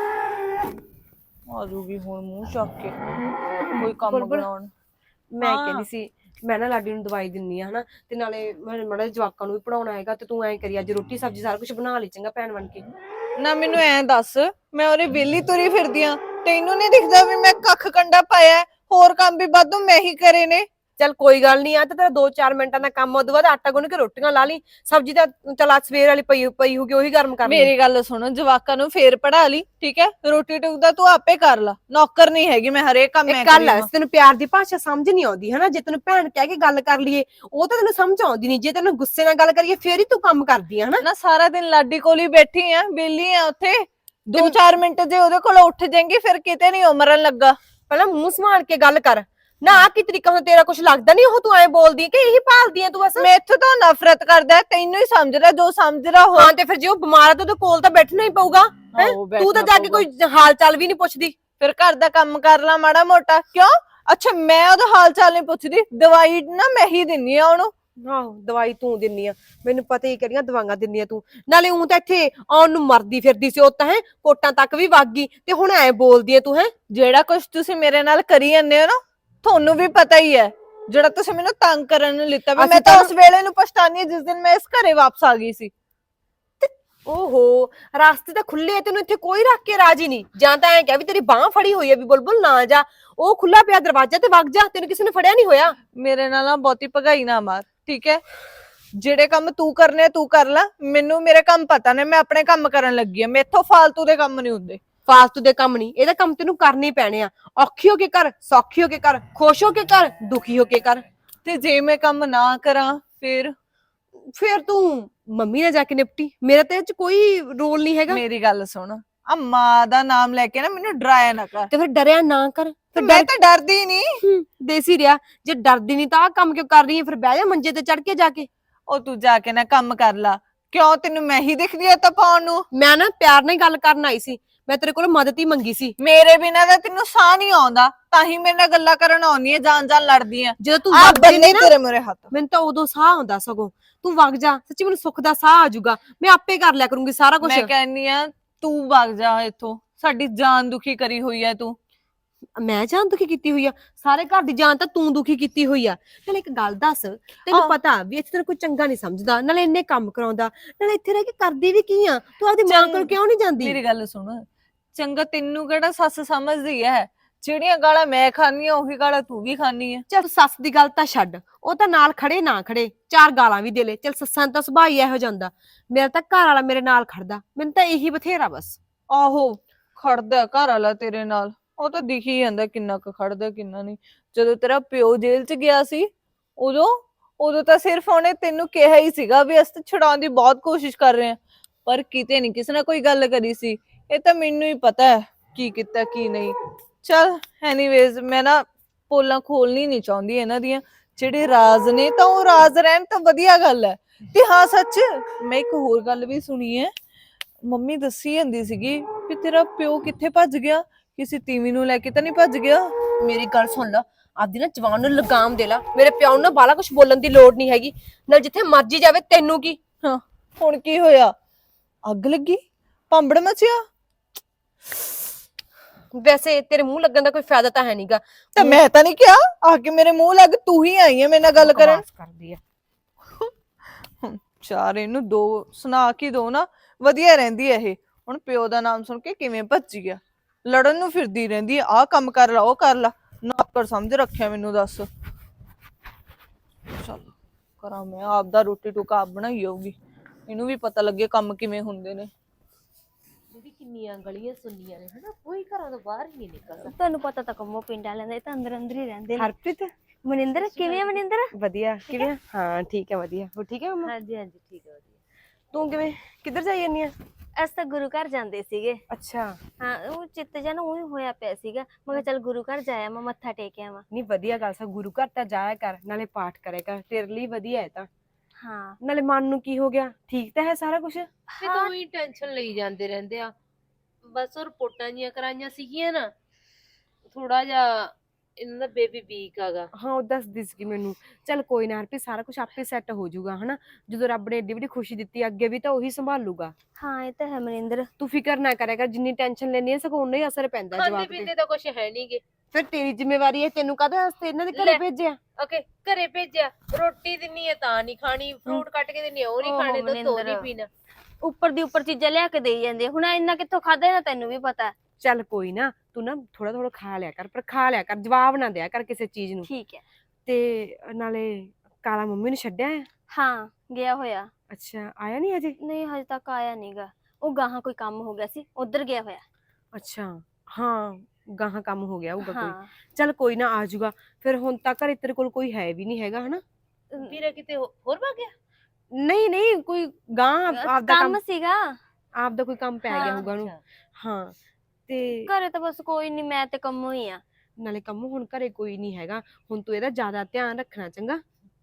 [SPEAKER 4] ਆਜੂਗੀ ਹੁਣ ਮੂੰਹ ਚੱਕ ਕੇ ਕੋਈ ਕੰਮ
[SPEAKER 1] ਬੁਲਬੁਲ,
[SPEAKER 4] ਬਣਾਉਣ।
[SPEAKER 1] ਮੈਂ
[SPEAKER 4] ਹਾਂ।
[SPEAKER 1] ਕਹਿੰਦੀ ਸੀ ਮੈਂ ਨਾ ਲਾਡੀ ਨੂੰ ਦਵਾਈ ਦਿੰਨੀ ਆ ਹਨਾ, ਤੇ ਨਾਲੇ ਮੈਂ ਮਾੜਾ ਜਵਾਕਾਂ ਨੂੰ ਵੀ ਪੜਾਉਣਾ ਹੈਗਾ, ਤੇ ਤੂੰ ਐਂ ਕਰੀ ਅੱਜ ਰੋਟੀ ਸਬਜ਼ੀ ਸਾਰਾ ਕੁਝ ਬਣਾ ਲਈ ਚੰਗਾ ਭੈਣ ਬਣ ਕੇ।
[SPEAKER 4] ਨਾ ਮੈਨੂੰ ਐਂ ਦੱਸ, ਮੈਂ ਉਹਦੇ ਵਿਹਲੀ ਤੁਰੀ ਫਿਰਦੀ ਆ, ਤੈਨੂੰ ਨਹੀਂ ਦਿਖਦਾ ਵੀ ਮੈਂ ਕੱਖ ਕੰਡਾ ਪਾਇਆ? ਹੋਰ ਕੰਮ ਵੀ ਵਾਧੂ ਮੈਂ ਹੀ ਕਰੇ ਨੇ।
[SPEAKER 1] ਚੱਲ ਕੋਈ ਗੱਲ ਨਹੀਂ, ਆ ਤੇ ਤੇਰਾ 2-4 ਮਿੰਟਾਂ ਦਾ ਕੰਮ, ਉਦੋਂ ਬਾਅਦ ਆਟਾ ਗੁੰਨ ਕੇ ਰੋਟੀਆਂ ਲਾ ਲਈ, ਸਬਜ਼ੀ ਤਾਂ ਚੱਲ ਅੱਜ ਸਵੇਰ ਵਾਲੀ ਪਈ ਹੋਊਗੀ, ਉਹੀ ਗਰਮ ਕਰ ਲਈ।
[SPEAKER 4] ਮੇਰੀ ਗੱਲ ਸੁਣੋ, ਜਵਾਕਾਂ ਨੂੰ ਫੇਰ ਪੜਾ ਲਈ, ਠੀਕ ਹੈ? ਰੋਟੀ ਟੁਕ ਦਾ ਤੂੰ ਆਪੇ ਕਰ ਲਾ, ਨੌਕਰ ਨਹੀਂ ਹੈਗੀ ਮੈਂ, ਹਰੇਕ ਕੰਮ ਮੈਂ
[SPEAKER 1] ਇੱਕ ਗੱਲ
[SPEAKER 4] ਕਰੀ
[SPEAKER 1] ਹੈ, ਤੈਨੂੰ ਪਿਆਰ ਦੀ ਭਾਸ਼ਾ ਸਮਝ ਨਹੀਂ ਆਉਂਦੀ ਹਨਾ। ਜੇ ਤੈਨੂੰ ਭੈਣ ਕਹਿ ਕੇ ਗੱਲ ਕਰ ਲਈਏ, ਉਹ ਤਾਂ ਤੈਨੂੰ ਸਮਝ ਆਉਂਦੀ ਨਹੀਂ। ਜੇ ਤੈਨੂੰ ਗੁੱਸੇ ਨਾਲ ਗੱਲ ਕਰੀਏ ਫੇਰ ਹੀ ਤੂੰ ਕੰਮ ਕਰਦੀ ਆ ਹਨਾ।
[SPEAKER 4] ਨਾ ਸਾਰਾ ਦਿਨ ਲਾਡੀ ਕੋਲ ਹੀ ਬੈਠੀ ਆ, ਵਿਹਲੀ ਆ ਉੱਥੇ। 2-4 ਮਿੰਟ ਜੇ ਉਹਦੇ ਕੋਲ ਉੱਠ ਜਾਏਂਗੀ ਫਿਰ ਕਿਤੇ ਨਹੀਂ ਉਮਰਨ ਲੱਗਾ।
[SPEAKER 1] ਪਹਿਲਾਂ ਮੂੰਹ ਸੰਭਾਲ ਕੇ ਗੱਲ ਕਰ ਨਾ। ਆ ਕੀ ਤਰੀਕਾ ਹੁਣ ਤੇਰਾ ਕੁਝ ਲੱਗਦਾ ਨਹੀਂ? ਉਹ ਤੂੰ ਐਂ ਬੋਲਦੀ ਹੈ ਕਿ ਇਹੀ ਭਾਲਦੀ ਹੈ ਤੂੰ ਬਸ?
[SPEAKER 4] ਮੈਥੋਂ ਤਾਂ ਨਫ਼ਰਤ ਕਰਦਾ, ਤੈਨੂੰ ਹੀ ਸਮਝਦਾ, ਜੋ ਸਮਝਦਾ ਹੋ।
[SPEAKER 1] ਹਾਂ, ਤੇ ਫਿਰ ਜੇ ਉਹ ਬਿਮਾਰ ਹੈ ਤਾਂ ਉਹਦੇ ਕੋਲ ਤਾਂ ਬੈਠਣਾ ਹੀ ਪਊਗਾ ਹੈਂ? ਤੂੰ ਤਾਂ ਜਾ ਕੇ ਕੋਈ ਹਾਲ ਚਾਲ ਵੀ ਨਹੀਂ ਪੁੱਛਦੀ।
[SPEAKER 4] ਫਿਰ ਘਰ ਦਾ ਕੰਮ ਕਰ ਲਾ ਮਾੜਾ ਮੋਟਾ। ਕਿਉਂ? ਅੱਛਾ, ਮੈਂ ਉਹਦਾ ਹਾਲ ਚਾਲ ਨਹੀਂ ਪੁੱਛਦੀ, ਦਵਾਈ ਨਾ ਮੈਂ ਹੀ ਦਿੰਨੀ ਆ ਉਹਨੂੰ।
[SPEAKER 1] ਆਹੋ, ਦਵਾਈ ਤੂੰ ਦਿੰਨੀ ਆ, ਮੈਨੂੰ ਪਤਾ ਹੀ ਕਿਹੜੀਆਂ ਦਵਾਈਆਂ ਦਿੰਨੀ ਆ ਤੂੰ। ਨਾਲੇ ਉਹ ਤਾਂ ਇੱਥੇ ਆਉਣ ਨੂੰ ਮਰਦੀ ਫਿਰਦੀ ਸੀ, ਉਹ ਤਾਂ ਹੈ ਕੋਟਾਂ ਤੱਕ ਵੀ ਵਗ ਗਈ, ਤੇ ਹੁਣ ਐ ਬੋਲਦੀ ਐ ਤੂੰ। ਹੈ
[SPEAKER 4] ਜਿਹੜਾ ਕੁਝ ਤੁਸੀਂ ਮੇਰੇ ਨਾਲ ਕਰੀ ਜਾਂਦੇ ਹੋ ਨਾ, ਤੁਹਾਨੂੰ ਵੀ ਪਤਾ ਹੀ ਹੈ। ਜਿਹੜਾ ਤੁਸੀਂ ਮੈਨੂੰ ਤੰਗ ਕਰਨ ਨੂੰ ਲਿੱਤਾ, ਮੈਂ ਤਾਂ ਉਸ ਵੇਲੇ ਨੂੰ ਪਛਤਾਨੀ ਜਿਸ ਦਿਨ ਮੈਂ ਇਸ ਘਰੇ ਵਾਪਸ ਆ ਗਈ ਸੀ।
[SPEAKER 1] ਓਹੋ, ਰਾਸਤੇ ਤਾਂ ਖੁੱਲੇ, ਤੈਨੂੰ ਇੱਥੇ ਕੋਈ ਰੱਖ ਕੇ ਰਾਜੀ ਨਹੀਂ। ਜਾਂ ਤਾਂ ਐ ਕਹਿ ਵੀ ਤੇਰੀ ਬਾਹ ਫੜੀ ਹੋਈ ਹੈ ਵੀ ਬੁਲਬੁਲ ਨਾ ਜਾ, ਉਹ ਖੁੱਲਾ ਪਿਆ ਦਰਵਾਜ਼ਾ ਤੇ ਵਗ ਜਾ, ਤੈਨੂੰ ਕਿਸੇ ਨੇ ਫੜਿਆ ਨਹੀਂ ਹੋਇਆ।
[SPEAKER 4] ਮੇਰੇ ਨਾਲ ਨਾ ਬਹੁਤੀ ਭਗਾਈ ਨਾ ਮਾਰ, ਠੀਕ ਹੈ? ਜਿਹੜੇ ਕੰਮ ਤੂੰ ਕਰਨੇ ਆ ਤੂੰ ਕਰ ਲੈ, ਮੈਨੂੰ ਮੇਰੇ ਕੰਮ ਪਤਾ ਨੇ, ਮੈਂ ਆਪਣੇ ਕੰਮ ਕਰਨ ਲੱਗੀ ਆ। ਮੈਥੋਂ ਫਾਲਤੂ ਦੇ ਕੰਮ ਨਹੀਂ ਹੁੰਦੇ।
[SPEAKER 1] ਫਾਲਤੂ ਦੇ ਕੰਮ ਨਹੀਂ, ਇਹਦਾ ਕੰਮ ਤੈਨੂੰ ਕਰਨੇ ਹੀ ਪੈਣੇ ਆ। ਔਖੀ ਹੋ ਕੇ ਕਰ, ਸੌਖੀ ਹੋ ਕੇ ਕਰ, ਖੁਸ਼ ਹੋ ਕੇ ਕਰ, ਦੁਖੀ ਹੋ ਕੇ ਕਰ।
[SPEAKER 4] ਤੇ ਜੇ ਮੈਂ ਕੰਮ ਨਾ ਕਰਾਂ ਫਿਰ
[SPEAKER 1] ਤੂੰ ਮੰਮੀ ਨਾਲ ਜਾ ਕੇ ਨਿਪਟੀ, ਮੇਰਾ ਤੇ ਇਹ ਚ ਕੋਈ ਰੋਲ ਨਹੀਂ ਹੈਗਾ।
[SPEAKER 4] ਮੇਰੀ ਗੱਲ ਸੁਣ, ਆ ਮਾਂ ਦਾ ਨਾਮ ਲੈ ਕੇ ਨਾ ਮੈਨੂੰ ਡਰਾਇਆ ਨਾ ਕਰ।
[SPEAKER 1] ਤੇ ਫਿਰ ਡਰਿਆ ਨਾ ਕਰ। ਫਿਰ
[SPEAKER 4] ਮੈਂ ਤਾਂ ਡਰਦੀ ਨਹੀਂ।
[SPEAKER 1] ਦੇਸੀ ਰਿਹਾ, ਜੇ ਡਰਦੀ ਨਹੀਂ ਤਾਂ ਆਹ ਕੰਮ ਕਿਉਂ ਕਰ ਰਹੀ ਹੈ? ਫਿਰ ਬਹਿ ਜਾ ਮੰਜੇ ਤੇ ਚੜ ਕੇ ਜਾ ਕੇ।
[SPEAKER 4] ਉਹ ਤੂੰ ਜਾ ਕੇ ਨਾ ਕੰਮ ਕਰ ਲਾ। ਕਿਉਂ, ਤੈਨੂੰ ਮੈਂ ਹੀ ਦਿਖਦੀ ਆ ਤਾਂ ਪਾਉਣ ਨੂੰ?
[SPEAKER 1] ਮੈਂ ਨਾ ਪਿਆਰ ਨਾਲ ਗੱਲ ਕਰਨ ਆਈ ਸੀ, ਮੈਂ ਤੇਰੇ ਕੋਲ ਮਦਦ ਹੀ ਮੰਗੀ ਸੀ।
[SPEAKER 4] ਮੇਰੇ ਬਿਨਾਂ ਤਾਂ ਤੈਨੂੰ ਸਾਹ ਨਹੀਂ ਆਉਂਦਾ, ਤਾਂ ਹੀ ਮੇਰੇ ਨਾਲ ਗੱਲਾਂ ਕਰਨ ਆਉਣੀ ਹੈ, ਜਾਣ ਲੜਦੀ ਆ।
[SPEAKER 1] ਜਦੋਂ ਤੂੰ
[SPEAKER 4] ਆ
[SPEAKER 1] ਵਗ
[SPEAKER 4] ਬੰਨੇ
[SPEAKER 1] ਜਾਂਦੀ ਨਾ,
[SPEAKER 4] ਤੇਰੇ ਮੂਹਰੇ ਹੱਥ।
[SPEAKER 1] ਮੈਨੂੰ ਤਾਂ ਉਦੋਂ ਸਾਹ ਆਉਂਦਾ, ਸਗੋਂ ਤੂੰ ਵਗ ਜਾ, ਸੱਚੀ ਮੈਨੂੰ ਸੁੱਖ ਦਾ ਸਾਹ ਆ ਜਾਊਗਾ, ਮੈਂ ਆਪੇ ਕਰ ਲਿਆ ਕਰੂੰਗੀ ਸਾਰਾ ਕੁਝ।
[SPEAKER 4] ਮੈਂ ਕਹਿੰਨੀ ਆ ਤੂੰ ਵਗ ਜਾ ਇੱਥੋਂ, ਸਾਡੀ ਜਾਨ ਦੁਖੀ ਕਰੀ ਹੋਈ ਹੈ ਤੂੰ।
[SPEAKER 1] ਮੈਂ ਜਾਨ ਦੁਖੀ ਕੀਤੀ ਹੋਈ ਆ? ਸਾਰੇ ਘਰ ਦੀ ਜਾਨ ਤਾਂ ਤੂੰ ਦੁਖੀ ਕੀਤੀ ਹੋਈ ਆ। ਨਾਲੇ ਇੱਕ ਗੱਲ ਦੱਸ, ਤੈਨੂੰ ਪਤਾ ਵੀ ਇੱਥੇ ਤੈਨੂੰ ਕੋਈ ਚੰਗਾ ਨਹੀਂ ਸਮਝਦਾ, ਨਾਲੇ ਇੰਨੇ ਕੰਮ ਕਰਾਉਂਦਾ, ਨਾਲੇ ਇੱਥੇ ਰਹਿ ਕੇ ਕਰਦੀ ਵੀ ਕੀ ਆ? ਤੂੰ ਆਪਦੀ ਮਾਂ ਕੋਲ ਕਿਉਂ ਨਹੀਂ ਜਾਂਦੀ?
[SPEAKER 4] ਮੇਰੀ ਗੱਲ ਸੁਣ, ਚੰਗਾ ਤੈਨੂੰ ਕਿਹੜਾ ਸੱਸ ਸਮਝਦੀ ਹੈ? ਜਿਹੜੀਆਂ ਗਾਲਾਂ ਮੈਂ ਖਾਨੀ ਆ ਉਹੀ ਗਾਲਾਂ ਤੂੰ ਵੀ ਖਾਨੀ ਆ।
[SPEAKER 1] ਚੱਲ ਸੱਸ ਦੀ ਗੱਲ ਤਾਂ ਛੱਡ, ਉਹ ਤਾਂ ਨਾਲ ਖੜੇ ਨਾ ਖੜੇ, 4 ਗਾਲਾਂ ਵੀ ਦੇ ਲੈ, ਚੱਲ ਸੱਸਾਂ ਦਾ ਸੁਭਾਅ ਹੀ ਇਹੋ ਜਾਂਦਾ। ਮੇਰਾ ਤਾਂ ਘਰ ਵਾਲਾ ਮੇਰੇ ਨਾਲ ਖੜਦਾ, ਮੈਨੂੰ ਤਾਂ ਇਹੀ ਬਥੇਰਾ ਬਸ।
[SPEAKER 4] ਆਹੋ, ਖੜਦਾ ਘਰ ਵਾਲਾ ਤੇਰੇ ਨਾਲ, ਉਹ ਤਾਂ ਦਿਖ ਹੀ ਜਾਂਦਾ ਕਿੰਨਾ ਕੁ ਖੜਦਾ ਕਿੰਨਾ ਨਹੀਂ। ਜਦੋਂ ਤੇਰਾ ਪਿਓ ਜੇਲ੍ਹ 'ਚ ਗਿਆ ਸੀ, ਉਦੋਂ ਤਾਂ ਸਿਰਫ ਉਹਨੇ ਤੈਨੂੰ ਕਿਹਾ ਹੀ ਸੀਗਾ ਵੀ ਅਸੀਂ ਛੁਡਾਉਣ ਦੀ ਬਹੁਤ ਕੋਸ਼ਿਸ਼ ਕਰ ਰਹੇ ਹਾਂ, ਪਰ ਕਿਤੇ ਨਹੀਂ ਕਿਸੇ ਨਾਲ ਕੋਈ ਗੱਲ ਕਰੀ ਸੀ। ਇਹ ਤਾਂ ਮੈਨੂੰ ਹੀ ਪਤਾ ਹੈ ਕੀ ਕੀਤਾ ਕੀ ਨਹੀਂ। ਚੱਲ ਐਨੀਵੇਜ਼, ਮੈਂ ਨਾ ਪੋਲਾਂ ਖੋਲਣੀ ਨਹੀਂ ਚਾਹੁੰਦੀ ਇਹਨਾਂ ਦੀਆਂ। ਜਿਹੜੇ ਰਾਜ਼ ਨੇ ਤਾਂ ਉਹ ਰਾਜ਼ ਰਹਿਣ ਤਾਂ ਵਧੀਆ ਗੱਲ ਹੈ। ਤੇ ਹਾਂ ਸੱਚ, ਮੈਂ ਇੱਕ ਹੋਰ ਗੱਲ ਵੀ ਸੁਣੀ ਹੈ। ਮੰਮੀ ਦੱਸੀ ਜਾਂਦੀ ਸੀਗੀ ਵੀ ਤੇਰਾ ਪਿਓ ਕਿੱਥੇ ਭੱਜ ਗਿਆ, ਕਿਸੇ ਤੀਵੀਂ ਨੂੰ ਲੈ ਕੇ ਤਾਂ ਨਹੀਂ ਭੱਜ ਗਿਆ?
[SPEAKER 1] ਮੇਰੀ ਗੱਲ ਸੁਣ ਲਾ, ਆਪਦੀ ਨਾ ਜਵਾਨ ਨੂੰ ਲਗਾਮ ਦੇ ਲਾ। ਮੇਰੇ ਪਿਓ ਨੂੰ ਬਾਲਾ ਕੁਝ ਬੋਲਣ ਦੀ ਲੋੜ ਨਹੀਂ ਹੈਗੀ, ਨਾਲ ਜਿੱਥੇ ਮਰਜੀ ਜਾਵੇ, ਤੈਨੂੰ ਕੀ?
[SPEAKER 4] ਹਾਂ, ਹੁਣ ਕੀ ਹੋਇਆ? ਅੱਗ ਲੱਗੀ, ਭਾਂਬੜ ਮਚਿਆ?
[SPEAKER 1] ਵੈਸੇ ਤੇਰੇ ਮੂੰਹ ਲੱਗਣ ਦਾ ਕੋਈ ਫਾਇਦਾ ਤਾਂ ਹੈ ਨਹੀਂਗਾ।
[SPEAKER 4] ਤਾਂ ਮੈਂ ਤਾਂ ਨਹੀਂ ਕਿਹਾ, ਆ ਕੇ ਮੇਰੇ ਮੂੰਹ ਲੱਗ, ਤੂੰ ਹੀ ਆਈ ਹੈ ਮੇਰੇ ਨਾਲ ਗੱਲ ਕਰਨ।
[SPEAKER 1] ਕਰਦੀ ਆ
[SPEAKER 4] ਚਾਰ ਇਹਨੂੰ ਦੋ ਸੁਣਾ ਕੇ ਦੋ ਨਾ, ਵਧੀਆ ਰਹਿੰਦੀ ਹੈ ਇਹ। ਹੁਣ ਪਿਓ ਦਾ ਨਾਮ ਸੁਣ ਕੇ ਕਿਵੇਂ ਭੱਜੀ ਗਿਆ, ਲੜਨ ਨੂੰ ਫਿਰਦੀ ਰਹਿੰਦੀ ਹੈ, ਆਹ ਕੰਮ ਕਰ ਲਾ ਉਹ ਕਰ ਲਾ। ਨੌਕਰ ਸਮਝ ਰੱਖਿਆ ਮੈਨੂੰ, ਦੱਸ। ਚੱਲ ਕਰਾਂ ਮੈਂ ਆਪਦਾ, ਰੋਟੀ ਟੁਕਾ ਆਪ ਬਣਾਈ ਜਾਊਗੀ, ਇਹਨੂੰ ਵੀ ਪਤਾ ਲੱਗੇ ਕੰਮ ਕਿਵੇਂ ਹੁੰਦੇ ਨੇ।
[SPEAKER 5] ਕਿੰਨੀਆਂ ਗਲੀਆਂ ਸੁਣੀਆਂ ਨੇ ਹਨਾ, ਕੋਈ ਘਰਾਂ ਤੋਂ ਬਾਹਰ ਹੀ ਨਹੀਂ ਨਿਕਲਦਾ। ਤੁਹਾਨੂੰ ਪਤਾ ਤਾਂ ਕੰਮੋ ਪਿੰਡ ਵਾਲਿਆਂ ਦਾ, ਇਹ ਤਾਂ ਅੰਦਰ ਅੰਦਰ ਹੀ ਰਹਿੰਦੇ ਨੇ।
[SPEAKER 1] ਹਰਪ੍ਰੀਤ,
[SPEAKER 5] ਮਨਿੰਦਰ ਕਿਵੇਂ ਆ? ਮਨਿੰਦਰ
[SPEAKER 1] ਵਧੀਆ, ਕਿਵੇਂ? ਹਾਂ ਠੀਕ ਹੈ, ਵਧੀਆ। ਹੋ ਠੀਕ ਹੈ ਮੰਮਾ?
[SPEAKER 5] ਹਾਂਜੀ ਹਾਂਜੀ ਠੀਕ ਹੈ, ਵਧੀਆ।
[SPEAKER 1] ਤੂੰ ਕਿਵੇਂ, ਕਿੱਧਰ ਜਾਈ ਜਾਂਦੀ ਆ?
[SPEAKER 5] ਅਸੀਂ ਤਾਂ ਗੁਰੂ ਘਰ ਜਾਂਦੇ ਸੀਗੇ।
[SPEAKER 1] ਅੱਛਾ,
[SPEAKER 5] ਹਾਂ, ਉਹ ਚਿੱਤ ਜਿਹਾ ਨਾ ਉਹੀ ਹੋਇਆ ਪਿਆ ਸੀਗਾ, ਮੈਂ ਕਿਹਾ ਚੱਲ ਗੁਰੂ ਘਰ ਜਾਇਆ, ਮੈਂ ਮੱਥਾ ਟੇਕ ਆਵਾਂ।
[SPEAKER 1] ਨਹੀਂ ਵਧੀਆ ਗੱਲ ਸਾ, ਗੁਰੂ ਘਰ ਤਾਂ ਜਾਇਆ ਕਰ, ਨਾਲੇ ਪਾਠ ਕਰਿਆ ਕਰ, ਤੇਰੇ ਲਈ ਵਧੀਆ ਹੈ ਤਾਂ।
[SPEAKER 5] ਹਾਂ
[SPEAKER 1] ਨਾਲੇ ਮਨ ਨੂੰ ਕੀ ਹੋ ਗਿਆ, ਠੀਕ ਤਾਂ ਹੈ ਸਾਰਾ ਕੁਝ?
[SPEAKER 6] ਇਹ ਤਾਂ ਉਹੀ ਟੈਨਸ਼ਨ ਲਈ ਜਾਂਦੇ ਰਹਿੰਦੇ ਆ। ਬਸ ਉਹ ਰਿਪੋਰਟਾਂ ਜੀਆਂ ਕਰਾਈਆਂ ਸੀਗੀਆਂ ਨਾ, ਥੋੜਾ ਜਿਹਾ ਇਹਨਾਂ ਦਾ ਬੇਬੀ ਵੀਕ ਆਗਾ।
[SPEAKER 1] ਹਾਂ ਉਹ ਦੱਸਦੀ ਸੀ ਮੈਨੂੰ। ਚੱਲ ਕੋਈ ਨਾ ਹਰਪ੍ਰੀਤ, ਸਾਰਾ ਕੁਝ ਆਪੇ ਸੈੱਟ ਹੋ ਜਾਊਗਾ ਹਨਾ। ਜਦੋਂ ਰੱਬ ਨੇ ਏਡੀ ਵੱਡੀ ਖੁਸ਼ੀ ਦਿੱਤੀ, ਅੱਗੇ ਵੀ ਤਾਂ ਉਹੀ ਸੰਭਾਲੂਗਾ।
[SPEAKER 5] ਹਾਂ ਇਹ ਤਾਂ ਹੈ ਮਨਿੰਦਰ।
[SPEAKER 1] ਤੂੰ ਫਿਕਰ ਨਾ ਕਰਿਆ ਕਰ, ਜਿੰਨੀ ਟੈਨਸ਼ਨ ਲੈਣੀ ਹੈ ਸਗੋਂ ਉਨਾ ਹੀ ਅਸਰ ਪੈਂਦਾ
[SPEAKER 6] ਖਾਂਦੇ
[SPEAKER 1] ਜਵਾਬ ਤੇ।
[SPEAKER 6] ਪੀਂਦੇ ਤਾਂ ਕੁਛ ਹੈ ਨਹੀਂਗੇ।
[SPEAKER 1] ਫਿਰ ਤੇਰੀ ਜ਼ਿੰਮੇਵਾਰੀ ਹੈ, ਤੈਨੂੰ ਕਾਹਦੇ ਵਾਸਤੇ ਇਹਨਾਂ ਦੇ ਘਰੇ
[SPEAKER 6] ਲੈ।
[SPEAKER 1] ਭੇਜਿਆ?
[SPEAKER 6] ਓਕੇ, ਘਰੇ ਭੇਜਿਆ, ਰੋਟੀ ਦਿੰਨੀ ਹੈ ਤਾਂ ਨਹੀਂ ਖਾਣੀ, ਫਰੂਟ ਕੱਟ ਕੇ ਦਿੰਨੀ ਹੈ ਉਹ ਨਹੀਂ
[SPEAKER 5] ਓਹੋ
[SPEAKER 6] ਖਾਣੇ, ਦੁੱਧ ਉਹ ਨਹੀਂ
[SPEAKER 5] ਮਨਿੰਦਰ।
[SPEAKER 6] ਪੀਣਾ।
[SPEAKER 5] ਉੱਪਰ ਦੀ ਉੱਪਰ ਚੀਜ਼ਾਂ ਲਿਆ ਕੇ ਦੇਈ ਜਾਂਦੇ, ਹੁਣ ਇੰਨਾ ਕਿੱਥੋਂ ਖਾਦਾ ਨਾ, ਤੈਨੂੰ ਵੀ ਪਤਾ।
[SPEAKER 1] ਚੱਲ ਕੋਈ ਨਾ, ਤੂੰ ਨਾ ਥੋੜਾ ਥੋੜਾ ਖਾ ਲਿਆ ਕਰ, ਪਰ ਖਾ ਲਿਆ ਕਰ, ਜਵਾਬ ਨਾ ਦਿਆ ਕਰ ਕਿਸੇ ਚੀਜ਼ ਨੂੰ।
[SPEAKER 5] ਠੀਕ ਹੈ।
[SPEAKER 1] ਤੇ ਨਾਲੇ ਕਾਲਾ ਮੰਮੀ ਨੂੰ ਛੱਡਿਆ ਹੈ?
[SPEAKER 5] ਹਾਂ ਗਿਆ ਹੋਇਆ।
[SPEAKER 1] ਅੱਛਾ, ਆਇਆ ਨਹੀਂ ਅਜੇ?
[SPEAKER 5] ਨਹੀਂ ਹਜੇ ਤੱਕ ਆਇਆ ਨਹੀਂਗਾ, ਉਹ ਗਾਹਾਂ ਕੋਈ ਕੰਮ ਹੋ ਗਿਆ ਸੀ, ਉਧਰ ਗਿਆ ਹੋਇਆ।
[SPEAKER 1] ਅੱਛਾ, ਹਾਂ ਗਾਹਾਂ ਕੰਮ ਹੋ ਗਿਆ ਹੋਊਗਾ ਕੋਈ।
[SPEAKER 5] ਹਾਂ
[SPEAKER 1] ਚੱਲ ਕੋਈ ਨਾ, ਆ ਜਾਊਗਾ। ਫਿਰ ਹੁਣ ਤੱਕ ਘਰੇ ਤੇਰੇ ਕੋਲ ਕੋਈ ਹੈ ਵੀ ਨਹੀਂ ਹੈਗਾ ਹਨਾ?
[SPEAKER 6] ਵੀਰਾ ਕਿਤੇ ਹੋਰ ਭੱਗ ਗਿਆ?
[SPEAKER 1] ਨਹੀਂ ਨਹੀਂ, ਕੋਈ ਗਾਂ ਆਪਦਾ
[SPEAKER 5] ਕੰਮ
[SPEAKER 1] ਕੰਮ,
[SPEAKER 5] ਸੀਗਾ।
[SPEAKER 1] ਆਪਦਾ ਕੋਈ ਕੰਮ ਪੈ ਗਿਆ
[SPEAKER 5] ਹਾਂ,
[SPEAKER 1] ਹੋਊਗਾ ਉਹਨੂੰ।
[SPEAKER 6] ਅੱਛਾ।
[SPEAKER 1] ਹਾਂ ਤੇ
[SPEAKER 5] ਘਰੇ ਤਾਂ ਬਸ ਕੋਈ ਨਹੀਂ, ਮੈਂ ਤੇ ਕੰਮੋਂ ਹੀ ਆ।
[SPEAKER 1] ਨਾਲੇ ਕੰਮ ਹੁਣ ਘਰੇ ਕੋਈ ਨਹੀਂ ਹੈਗਾ, ਹੁਣ ਤੂੰ ਇਹਦਾ ਜ਼ਿਆਦਾ ਧਿਆਨ ਰੱਖਣਾ, ਚੰਗਾ?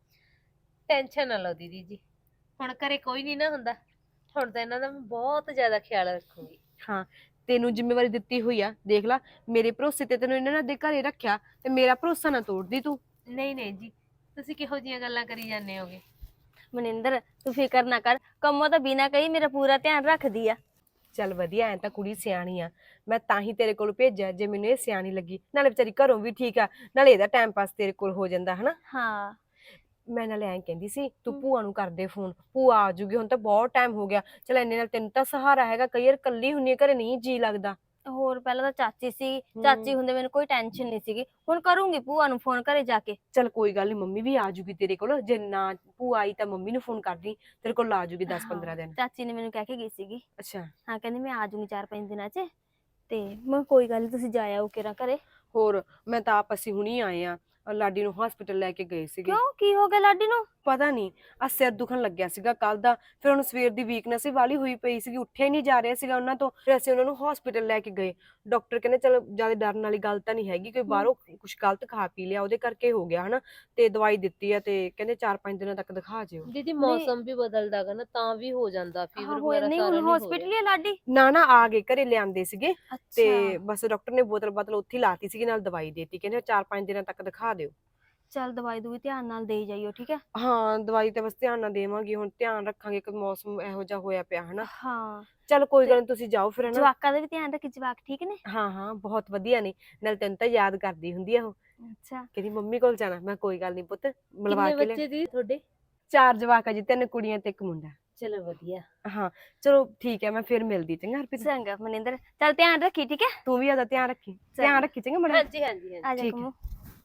[SPEAKER 6] ਟੈਨਸ਼ਨ ਨਾ ਲਓ ਦੀਦੀ ਜੀ, ਹੁਣ ਘਰੇ ਕੋਈ ਨਹੀਂ ਨਾ ਹੁੰਦਾ, ਹੁਣ ਤਾਂ ਇਹਨਾਂ ਦਾ ਮੈਂ ਬਹੁਤ ਜ਼ਿਆਦਾ ਖਿਆਲ ਰੱਖੂੰਗੀ।
[SPEAKER 1] ਹਾਂ, ਤੈਨੂੰ ਜ਼ਿੰਮੇਵਾਰੀ ਦਿੱਤੀ ਹੋਈ ਆ, ਦੇਖ ਲੈ ਮੇਰੇ ਭਰੋਸੇ ਤੇ ਤੈਨੂੰ ਇਹਨਾਂ ਨੇ ਦੇ ਘਰੇ ਰੱਖਿਆ, ਤੇ ਮੇਰਾ ਭਰੋਸਾ ਨਾ ਤੋੜਦੀ ਤੂੰ।
[SPEAKER 6] ਨਹੀਂ ਨਹੀਂ ਜੀ, ਤੁਸੀਂ ਕਿਹੋ ਜੀਆਂ ਗੱਲਾਂ ਕਰੀ ਜਾਂਦੇ ਹੋਗੇ?
[SPEAKER 5] ਮਨਿੰਦਰ ਤੂੰ ਫਿਕਰ ਨਾ ਕਰ, ਕੰਮੋਂ ਤਾਂ ਬਿਨਾ ਕਹੀ ਮੇਰਾ ਪੂਰਾ ਧਿਆਨ ਰੱਖਦੀ ਆ।
[SPEAKER 1] ਚੱਲ ਵਧੀਆ, ਐ ਤਾਂ ਕੁੜੀ ਸਿਆਣੀ ਆ, ਮੈਂ ਤਾਂ ਹੀ ਤੇਰੇ ਕੋਲ ਭੇਜਿਆ, ਜੇ ਮੈਨੂੰ ਇਹ ਸਿਆਣੀ ਲੱਗੀ। ਨਾਲੇ ਵਿਚਾਰੀ ਘਰੋਂ ਵੀ ਠੀਕ ਆ, ਨਾਲੇ ਇਹਦਾ ਟਾਈਮ ਪਾਸ ਤੇਰੇ ਕੋਲ ਹੋ ਜਾਂਦਾ ਹਨਾ।
[SPEAKER 5] ਹਾਂ
[SPEAKER 1] ਮੈਂ ਨਾਲੇ ਐਂ ਕਹਿੰਦੀ ਸੀ, ਤੂੰ ਭੂਆ ਨੂੰ ਕਰਦੇ ਫੋਨ, ਭੂਆ ਆ ਜੂਗੀ, ਹੁਣ ਤਾਂ ਬਹੁਤ ਟਾਈਮ ਹੋ ਗਿਆ। ਚਲ ਇੰਨੇ ਨਾਲ ਤੈਨੂੰ ਤਾਂ ਸਹਾਰਾ ਹੈਗਾ, ਕਈ ਵਾਰ ਕੱਲੀ ਹੁੰਨੀ ਆ ਘਰੇ, ਨਹੀਂ ਜੀ ਲੱਗਦਾ।
[SPEAKER 5] ਹੋਰ ਪਹਿਲਾਂ ਤਾਂ ਚਾਚੀ ਸੀ, ਚਾਚੀ ਹੁੰਦੇ ਮੈਨੂੰ ਕੋਈ ਟੈਨਸ਼ਨ ਨਹੀਂ ਸੀਗੀ, ਹੁਣ ਕਰੂੰਗੀ ਭੂਆ ਨੂੰ ਫੋਨ ਘਰੇ ਜਾ ਕੇ।
[SPEAKER 1] ਚੱਲ ਕੋਈ ਗੱਲ ਨੀ, ਮੰਮੀ ਵੀ ਆ ਜੂਗੀ ਤੇਰੇ ਕੋਲ, ਜੇ ਨਾ ਭੂਆ ਆਈ ਤਾਂ ਮੰਮੀ ਨੂੰ ਫੋਨ ਕਰਦੀ, ਤੇਰੇ ਕੋਲ ਆ ਜੂਗੀ 10-15 ਦਿਨ।
[SPEAKER 5] ਚਾਚੀ ਨੇ ਮੈਨੂੰ ਕਹਿ ਕੇ ਗਈ ਸੀਗੀ।
[SPEAKER 1] ਅੱਛਾ,
[SPEAKER 5] ਹਾਂ ਕਹਿੰਦੀ ਮੈਂ ਆ ਜਾਊਂਗੀ 4-5 ਦਿਨਾਂ 'ਚ, ਤੇ ਮੈਂ ਕੋਈ ਗੱਲ ਨੀ ਤੁਸੀਂ ਜਾ ਆਓ ਕਿਰਾ ਘਰੇ।
[SPEAKER 1] ਹੋਰ ਮੈਂ ਤਾਂ ਆਪ ਅਸੀਂ ਹੁਣੀ ਆਏ ਆ, ਲਾਡੀ ਨੂੰ ਹਸਪੀਟਲ ਲੈ ਕੇ ਗਏ ਸੀਗੇ।
[SPEAKER 5] ਕਿਉਂ ਕੀ ਹੋ ਗਿਆ ਲਾਡੀ ਨੂੰ?
[SPEAKER 1] ਪਤਾ ਨਹੀਂ, ਆ ਸਿਰ ਦੁਖਣ ਲੱਗਿਆ ਸੀਗਾ ਕੱਲ ਦਾ, ਫਿਰ ਉਹਨੂੰ ਸਵੇਰ ਦੀ ਵੀਕਨੈਸ ਹੀ ਵਾਲੀ ਹੋਈ ਪਈ ਸੀਗੀ, ਉੱਠਿਆ ਹੀ ਨਹੀਂ ਜਾ ਰਿਹਾ ਸੀਗਾ ਉਹਨਾਂ ਤੋਂ। ਫਿਰ ਅਸੀਂ ਉਹਨਾਂ ਨੂੰ ਹਸਪੀਟਲ ਲੈ ਕੇ ਗਏ, ਡਾਕਟਰ ਕਹਿੰਦੇ ਚਲ ਜਿਆਦਾ ਡਰਨ ਵਾਲੀ ਗੱਲ ਤਾਂ ਨਹੀਂ ਹੈਗੀ, ਕੋਈ ਬਾਹਰੋਂ ਕੁਝ ਗਲਤ ਖਾ ਪੀ ਲਿਆ ਉਹਦੇ ਕਰਕੇ ਹੋ ਗਿਆ ਹਨਾ, ਤੇ ਦਵਾਈ ਦਿੱਤੀ ਆ, ਤੇ ਕਹਿੰਦੇ 4-5 ਦਿਨਾਂ ਤੱਕ ਦਿਖਾ ਜਿਓ।
[SPEAKER 6] ਦੀਦੀ ਮੌਸਮ ਵੀ ਬਦਲਦਾ ਗਾ ਨਾ, ਤਾਂ ਵੀ ਹੋ ਜਾਂਦਾ ਫੀਵਰ
[SPEAKER 5] ਹੋਇਆ
[SPEAKER 6] ਵਗੈਰਾ,
[SPEAKER 5] ਨਹੀਂ
[SPEAKER 6] ਸਾਰਾ
[SPEAKER 5] ਹੁਣ
[SPEAKER 6] ਨਹੀਂ ਹੋ
[SPEAKER 5] ਹਸਪੀਟਲ
[SPEAKER 6] ਰਿਹਾ।
[SPEAKER 5] ਹੀ ਆ ਲਾਡੀ?
[SPEAKER 1] ਨਾ ਆ ਗਏ, ਘਰੇ ਲਿਆਂਦੇ ਸੀਗੇ, ਤੇ
[SPEAKER 5] ਅੱਛਾ
[SPEAKER 1] ਬਸ ਡਾਕਟਰ ਨੇ ਬੋਤਲ ਉੱਥੇ ਲਾਤੀ ਸੀਗੀ, ਨਾਲ ਦਵਾਈ ਦੇਤੀ, ਕਹਿੰਦੇ 4-5 ਦਿਨਾਂ ਤੱਕ ਦਿਖਾ ਦਿਓ।
[SPEAKER 5] ਚੱਲ ਦਵਾਈ ਦੂਈ ਧਿਆਨ ਨਾਲ ਦੇਈ ਜਾਈਓ, ਠੀਕ ਹੈ?
[SPEAKER 1] ਹਾਂ ਦਵਾਈ ਤਾਂ ਬਸ ਧਿਆਨ ਨਾਲ ਦੇਵਾਂਗੀ, ਹੁਣ ਧਿਆਨ ਰੱਖਾਂਗੇ ਕਿ ਮੌਸਮ ਇਹੋ ਜਿਹਾ ਹੋਇਆ ਪਿਆ ਹਨਾ।
[SPEAKER 5] ਹਾਂ
[SPEAKER 1] ਚਲ ਕੋਈ ਗੱਲ ਨੀ, ਤੁਸੀਂ ਜਾਓ ਫਿਰ ਹਨਾ।
[SPEAKER 5] ਜਵਾਕਾਂ ਦਾ ਵੀ ਧਿਆਨ ਰੱਖੀ, ਜਵਾਕ ਠੀਕ ਨੇ?
[SPEAKER 1] ਹਾਂ ਬਹੁਤ ਵਧੀਆ ਨੇ, ਨਾਲ ਤੈਨੂੰ ਤਾਂ ਯਾਦ ਕਰਦੀ ਹੁੰਦੀ ਆ ਉਹ,
[SPEAKER 5] ਅੱਛਾ
[SPEAKER 1] ਕਹਿੰਦੀ ਮੰਮੀ ਕੋਲ ਜਾਣਾ। ਮੈਂ ਕੋਈ ਗੱਲ ਨਹੀਂ ਪੁੱਤ, ਮਿਲਵਾ
[SPEAKER 6] ਕਿੰਨੇ
[SPEAKER 1] ਕੇ ਲੈ।
[SPEAKER 6] ਬੱਚੇ ਦੀ ਤੁਹਾਡੇ?
[SPEAKER 1] 4 ਜਵਾਕ ਆ ਜੀ, 3 ਕੁੜੀਆਂ ਤੇ 1 ਮੁੰਡਾ।
[SPEAKER 6] ਚਲੋ ਵਧੀਆ।
[SPEAKER 1] ਹਾਂ ਚਲੋ ਠੀਕ ਹੈ, ਮੈਂ ਫਿਰ ਮਿਲਦੀ, ਚੰਗਾ ਹਰਪ੍ਰੀਤ?
[SPEAKER 5] ਚੰਗਾ ਮਨਿੰਦਰ, ਚੱਲ ਧਿਆਨ ਰੱਖੀ, ਠੀਕ ਹੈ?
[SPEAKER 1] ਤੂੰ ਵੀ ਆਦਾ ਧਿਆਨ ਰੱਖੀ, ਧਿਆਨ ਰੱਖੀ ਚੰਗਾ ਮੜਾ।
[SPEAKER 6] ਹਾਂਜੀ ਹਾਂਜੀ ਹਾਂਜੀ।
[SPEAKER 5] ਆ ਜਾ
[SPEAKER 1] ਠੀਕ ਹੈ।
[SPEAKER 5] ਕੰਮੋ।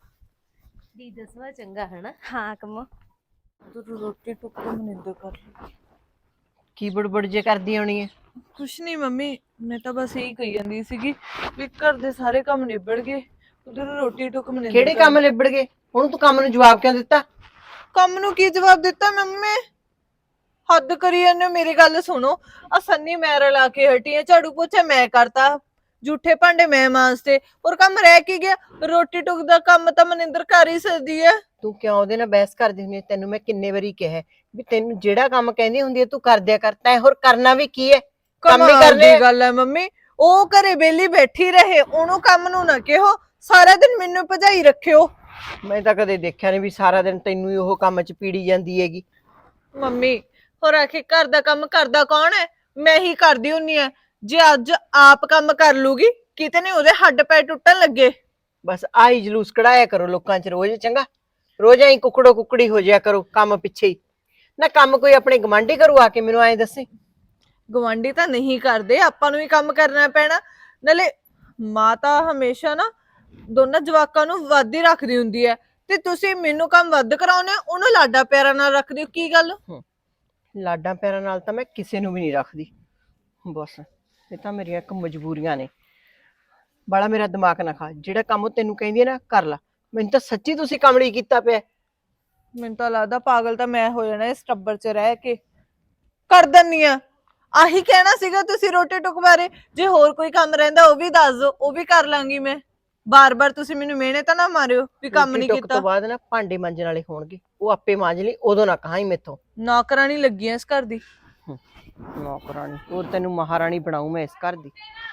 [SPEAKER 6] ਦੀ ਦਸਵਾ ਚੰਗਾ ਹਨਾ।
[SPEAKER 5] ਹਾਂ ਕੰਮੋ।
[SPEAKER 4] ਤੂੰ ਰੋਟੀ ਟੁੱਕ ਮਨਿੰਦਰ ਕਰ ਲਈ।
[SPEAKER 2] ਕੀ ਬੜਬੜ ਜੇ ਕਰਦੀ ਆਉਣੀ ਹੈ?
[SPEAKER 4] ਕੁਛ ਨਹੀਂ ਮੰਮੀ, ਮੈਂ ਤਾਂ ਬਸ ਇਹੀ ਕਹੀ ਜਾਂਦੀ ਸੀਗੀ ਵੀ ਘਰ ਦੇ ਸਾਰੇ ਕੰਮ ਨਿਬੜ ਗਏ, ਉਧਰ ਰੋਟੀ ਟੁੱਕ ਮਨਿੰਦਰ
[SPEAKER 2] ਕਿਹੜੇ
[SPEAKER 4] ਕਰ
[SPEAKER 2] ਕੰਮ ਲਿਬੜ ਗਏ? ਹੁਣ ਤੂੰ ਕੰਮ ਨੂੰ ਜਵਾਬ ਕਿਉਂ ਦਿੱਤਾ?
[SPEAKER 4] ਕੰਮ ਨੂੰ ਕੀ ਜਵਾਬ ਦਿੱਤਾ ਮੰਮੀ? ਹੱਦ ਕਰੀ ਜਾਂਦੇ ਹੋ, ਮੇਰੀ ਗੱਲ ਸੁਣੋ। ਆ ਸੰਨੀ ਮੈਂ ਰਲਾ ਕੇ ਹਟੀ ਆ, ਝਾੜੂ ਪੋਚਾ ਮੈਂ ਕਰਤਾ, ਜੂਠੇ ਭਾਂਡੇ ਮੈਂ ਮਾਂਜਤੇ, ਔਰ ਕੰਮ ਰਹਿ ਕੀ ਗਿਆ? ਰੋਟੀ ਟੁੱਕ ਦਾ ਕੰਮ ਤਾਂ ਮਨਿੰਦਰ ਕਰ ਹੀ ਸਕਦੀ ਹੈ।
[SPEAKER 2] ਤੂੰ ਕਿਉਂ ਉਹਦੇ ਨਾਲ ਬਹਿਸ ਕਰਦੀ ਹੁੰਦੀ ਹੈ? ਤੈਨੂੰ ਮੈਂ ਕਿੰਨੇ ਵਾਰੀ ਕਿਹਾ ਵੀ ਤੈਨੂੰ ਜਿਹੜਾ ਕੰਮ ਕਹਿੰਦੀ ਹੁੰਦੀ ਹੈ ਤੂੰ ਕਰ ਦਿਆ ਕਰ, ਤੈਂ ਹੋਰ ਕਰਨਾ ਵੀ ਕੀ ਹੈ? ਕੰਮ ਹੀ
[SPEAKER 4] ਕਮਾਲ
[SPEAKER 2] ਕਰਨੇ
[SPEAKER 4] ਦੀ ਗੱਲ ਹੈ ਮੰਮੀ, ਉਹ ਘਰੇ ਬੇਲੀ ਬੈਠੀ ਰਹੇ, ਉਹਨੂੰ ਕੰਮ ਨੂੰ ਨਾ ਕਿਹੋ, ਸਾਰਾ ਦਿਨ ਮੈਨੂੰ ਭਜਾਈ ਰੱਖਿਓ।
[SPEAKER 2] ਮੈਂ ਤਾਂ ਕਦੇ ਦੇਖਿਆ ਨਹੀਂ ਵੀ ਸਾਰਾ ਦਿਨ ਤੈਨੂੰ ਹੀ ਉਹ ਕੰਮ 'ਚ ਪੀੜੀ ਜਾਂਦੀ ਹੈਗੀ।
[SPEAKER 4] ਮੰਮੀ ਹੋਰ ਆਖੇ ਘਰ ਦਾ ਕੰਮ ਕਰਦਾ ਕੌਣ ਹੈ? ਮੈਂ ਹੀ ਕਰਦੀ ਹੁੰਨੀ ਆ। ਜੇ ਅੱਜ ਆਪ ਕੰਮ ਕਰ ਲੂਗੀ, ਕਿਤੇ ਨਹੀਂ ਉਹਦੇ ਹੱਡ ਪੈ ਟੁੱਟਣ ਲੱਗੇ।
[SPEAKER 2] ਬਸ ਆਹੀ ਜਲੂਸ ਕਢਾਇਆ ਕਰੋ ਲੋਕਾਂ 'ਚ ਰੋਜ਼, ਚੰਗਾ? ਰੋਜ਼ ਐਂ ਕੁਕੜੋ ਕੁਕੜੀ ਹੋ ਜਾਇਆ ਕਰੋ ਕੰਮ ਪਿੱਛੇ ਹੀ। ਨਾ ਕੰਮ ਕੋਈ ਆਪਣੇ ਗਵਾਂਢੀ ਕਰੂ ਆ ਕੇ, ਮੈਨੂੰ ਐਂ ਦੱਸੇ।
[SPEAKER 4] ਗਵਾਂਢੀ ਤਾਂ ਨਹੀਂ ਕਰਦੇ, ਆਪਾਂ ਨੂੰ ਹੀ ਕੰਮ ਕਰਨਾ ਪੈਣਾ। ਨਾਲੇ ਮਾਂ ਤਾਂ ਹਮੇਸ਼ਾ ਨਾ ਦੋਨਾਂ ਜਵਾਕਾਂ ਨੂੰ ਵੱਧ ਹੀ ਰੱਖਦੀ ਹੁੰਦੀ ਹੈ, ਤੇ ਤੁਸੀਂ ਮੈਨੂੰ ਕੰਮ ਵੱਧ ਕਰਾਉਨੇ, ਉਹਨੂੰ ਲਾਡਾ ਪਿਆਰਾ ਨਾਲ ਰੱਖਦੇ ਹੋ, ਕੀ ਗੱਲ?
[SPEAKER 2] ਲਾਡਾਂ ਪਿਆਰਾਂ ਨਾਲ ਤਾਂ ਮੈਂ ਕਿਸੇ ਨੂੰ ਵੀ ਨਹੀਂ ਰੱਖਦੀ, ਬਸ ਇਹ ਤਾਂ ਮੇਰੀਆਂ ਇੱਕ ਮਜਬੂਰੀਆਂ ਨੇ। ਬਾਲਾ ਮੇਰਾ ਦਿਮਾਗ ਨਾ ਖਾ, ਜਿਹੜਾ ਕੰਮ ਉਹ ਤੈਨੂੰ ਕਹਿੰਦੀ ਹੈ ਨਾ ਕਰ ਲਾ। ਮੈਨੂੰ ਤਾਂ ਸੱਚੀ ਤੁਸੀਂ ਕਮਲੀ ਕੀਤਾ ਪਿਆ।
[SPEAKER 4] ਮੈਨੂੰ ਤਾਂ ਲੱਗਦਾ ਪਾਗਲ ਤਾਂ ਮੈਂ ਹੋ ਜਾਣਾ ਇਸ ਟੱਬਰ 'ਚ ਰਹਿ ਕੇ। ਕਰ ਦਿੰਨੀ ਆ, ਆਹੀ ਕਹਿਣਾ ਸੀਗਾ ਤੁਸੀਂ ਰੋਟੀ ਟੁੱਕ ਬਾਰੇ? ਜੇ ਹੋਰ ਕੋਈ ਕੰਮ ਰਹਿੰਦਾ ਉਹ ਵੀ ਦੱਸ ਦਿਓ, ਉਹ ਵੀ ਕਰ ਲਾਂਗੀ ਮੈਂ। ਬਾਰ-ਬਾਰ ਤੁਸੀਂ ਮੈਨੂੰ ਮਿਹਣੇ ਤਾਂ ਨਾ ਮਾਰਿਓ ਵੀ ਕੰਮ
[SPEAKER 2] ਰੋਟੀ
[SPEAKER 4] ਨਹੀਂ
[SPEAKER 2] ਟੁੱਕ
[SPEAKER 4] ਕੀਤਾ।
[SPEAKER 2] ਤੋਂ ਬਾਅਦ ਨਾ ਭਾਂਡੇ ਮਾਂਜਣ ਵਾਲੇ ਹੋਣਗੇ, ਉਹ ਆਪੇ ਮਾਂਜ ਲਈ, ਉਦੋਂ ਨਾ ਕਹਾਂ ਮੇਥੋਂ।
[SPEAKER 4] ਨੌਕਰਾਨੀ ਲੱਗੀ ਐ ਇਸ ਘਰ ਦੀ।
[SPEAKER 2] ਨੌਕਰਾਣੀ ਉਹ ਤੈਨੂੰ ਮਹਾਰਾਣੀ ਬਣਾਉ ਮੈਂ ਇਸ ਘਰ ਦੀ।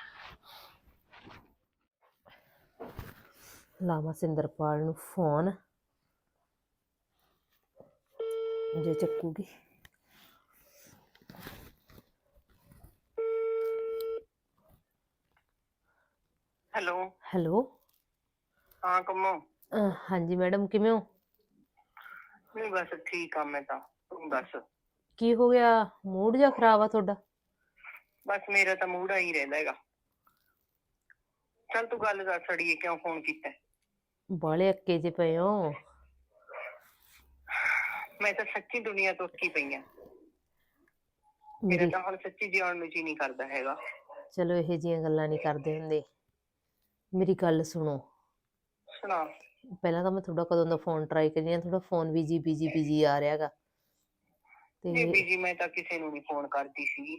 [SPEAKER 6] ਲਾਵਾਂ ਸਿੰਦਰਪਾਲ ਨੂੰ ਫੋਨ, ਜੇ ਚੱਕੂਗੀ।
[SPEAKER 7] ਹੈਲੋ।
[SPEAKER 6] ਹੈਲੋ।
[SPEAKER 7] ਹਾਂ ਕੰਮੋ।
[SPEAKER 6] ਹਾਂਜੀ ਮੈਡਮ, ਕਿਵੇਂ ਹੋ?
[SPEAKER 7] ਨਹੀਂ ਬਸ ਠੀਕ ਆ ਮੈਂ ਤਾਂ, ਤੂੰ ਦੱਸ।
[SPEAKER 6] ਕੀ ਹੋ ਗਿਆ, ਮੂਡ ਜਿਹਾ ਖਰਾਬ ਆ ਤੁਹਾਡਾ?
[SPEAKER 7] ਬਸ ਮੇਰਾ ਤਾਂ ਮੂਡ ਆਈ ਰਹਿੰਦਾ ਹੈਗਾ। ਚੱਲ ਤੂੰ ਗੱਲ ਦੱਸ ਅੜੀਏ, ਕਿਉਂ ਫੋਨ ਕੀਤਾ?
[SPEAKER 6] ਬਾਲੇ ਅੱਕੇ ਜੇ ਪਏ ਹੋ।
[SPEAKER 7] ਮੈਂ ਤਾਂ ਸੱਚੀ ਦੁਨੀਆ ਤੋਂ ਅੱਕੀ ਪਈ ਆ। ਮੇਰਾ
[SPEAKER 6] ਮੇਰੀ
[SPEAKER 7] ਤਾਂ ਹੁਣ ਸੱਚੀ ਜਿਉਣ ਨੂੰ ਜੀ ਨਹੀਂ ਕਰਦਾ ਹੈਗਾ।
[SPEAKER 6] ਚਲੋ ਇਹੋ ਜਿਹੀਆਂ ਗੱਲਾਂ ਨਹੀਂ ਕਰਦੇ ਹੁੰਦੇ। ਮੇਰੀ ਗੱਲ ਸੁਣੋ,
[SPEAKER 7] ਸੁਣਾ।
[SPEAKER 6] ਪਹਿਲਾਂ ਤਾਂ ਮੈਂ ਤੁਹਾਡਾ ਕਦੋਂ ਦਾ ਫੋਨ ਟਰਾਈ ਕਰੀ ਆ, ਤੁਹਾਡਾ ਫੋਨ ਬਿਜੀ ਆ ਰਿਹਾ ਹੈਗਾ।
[SPEAKER 7] ਨਹੀਂ
[SPEAKER 6] ਤੇ
[SPEAKER 7] ਬੀਜੀ ਮੈਂ ਤਾਂ ਕਿਸੇ ਨੂੰ ਨਹੀਂ ਫੋਨ ਕਰਦੀ ਸੀ।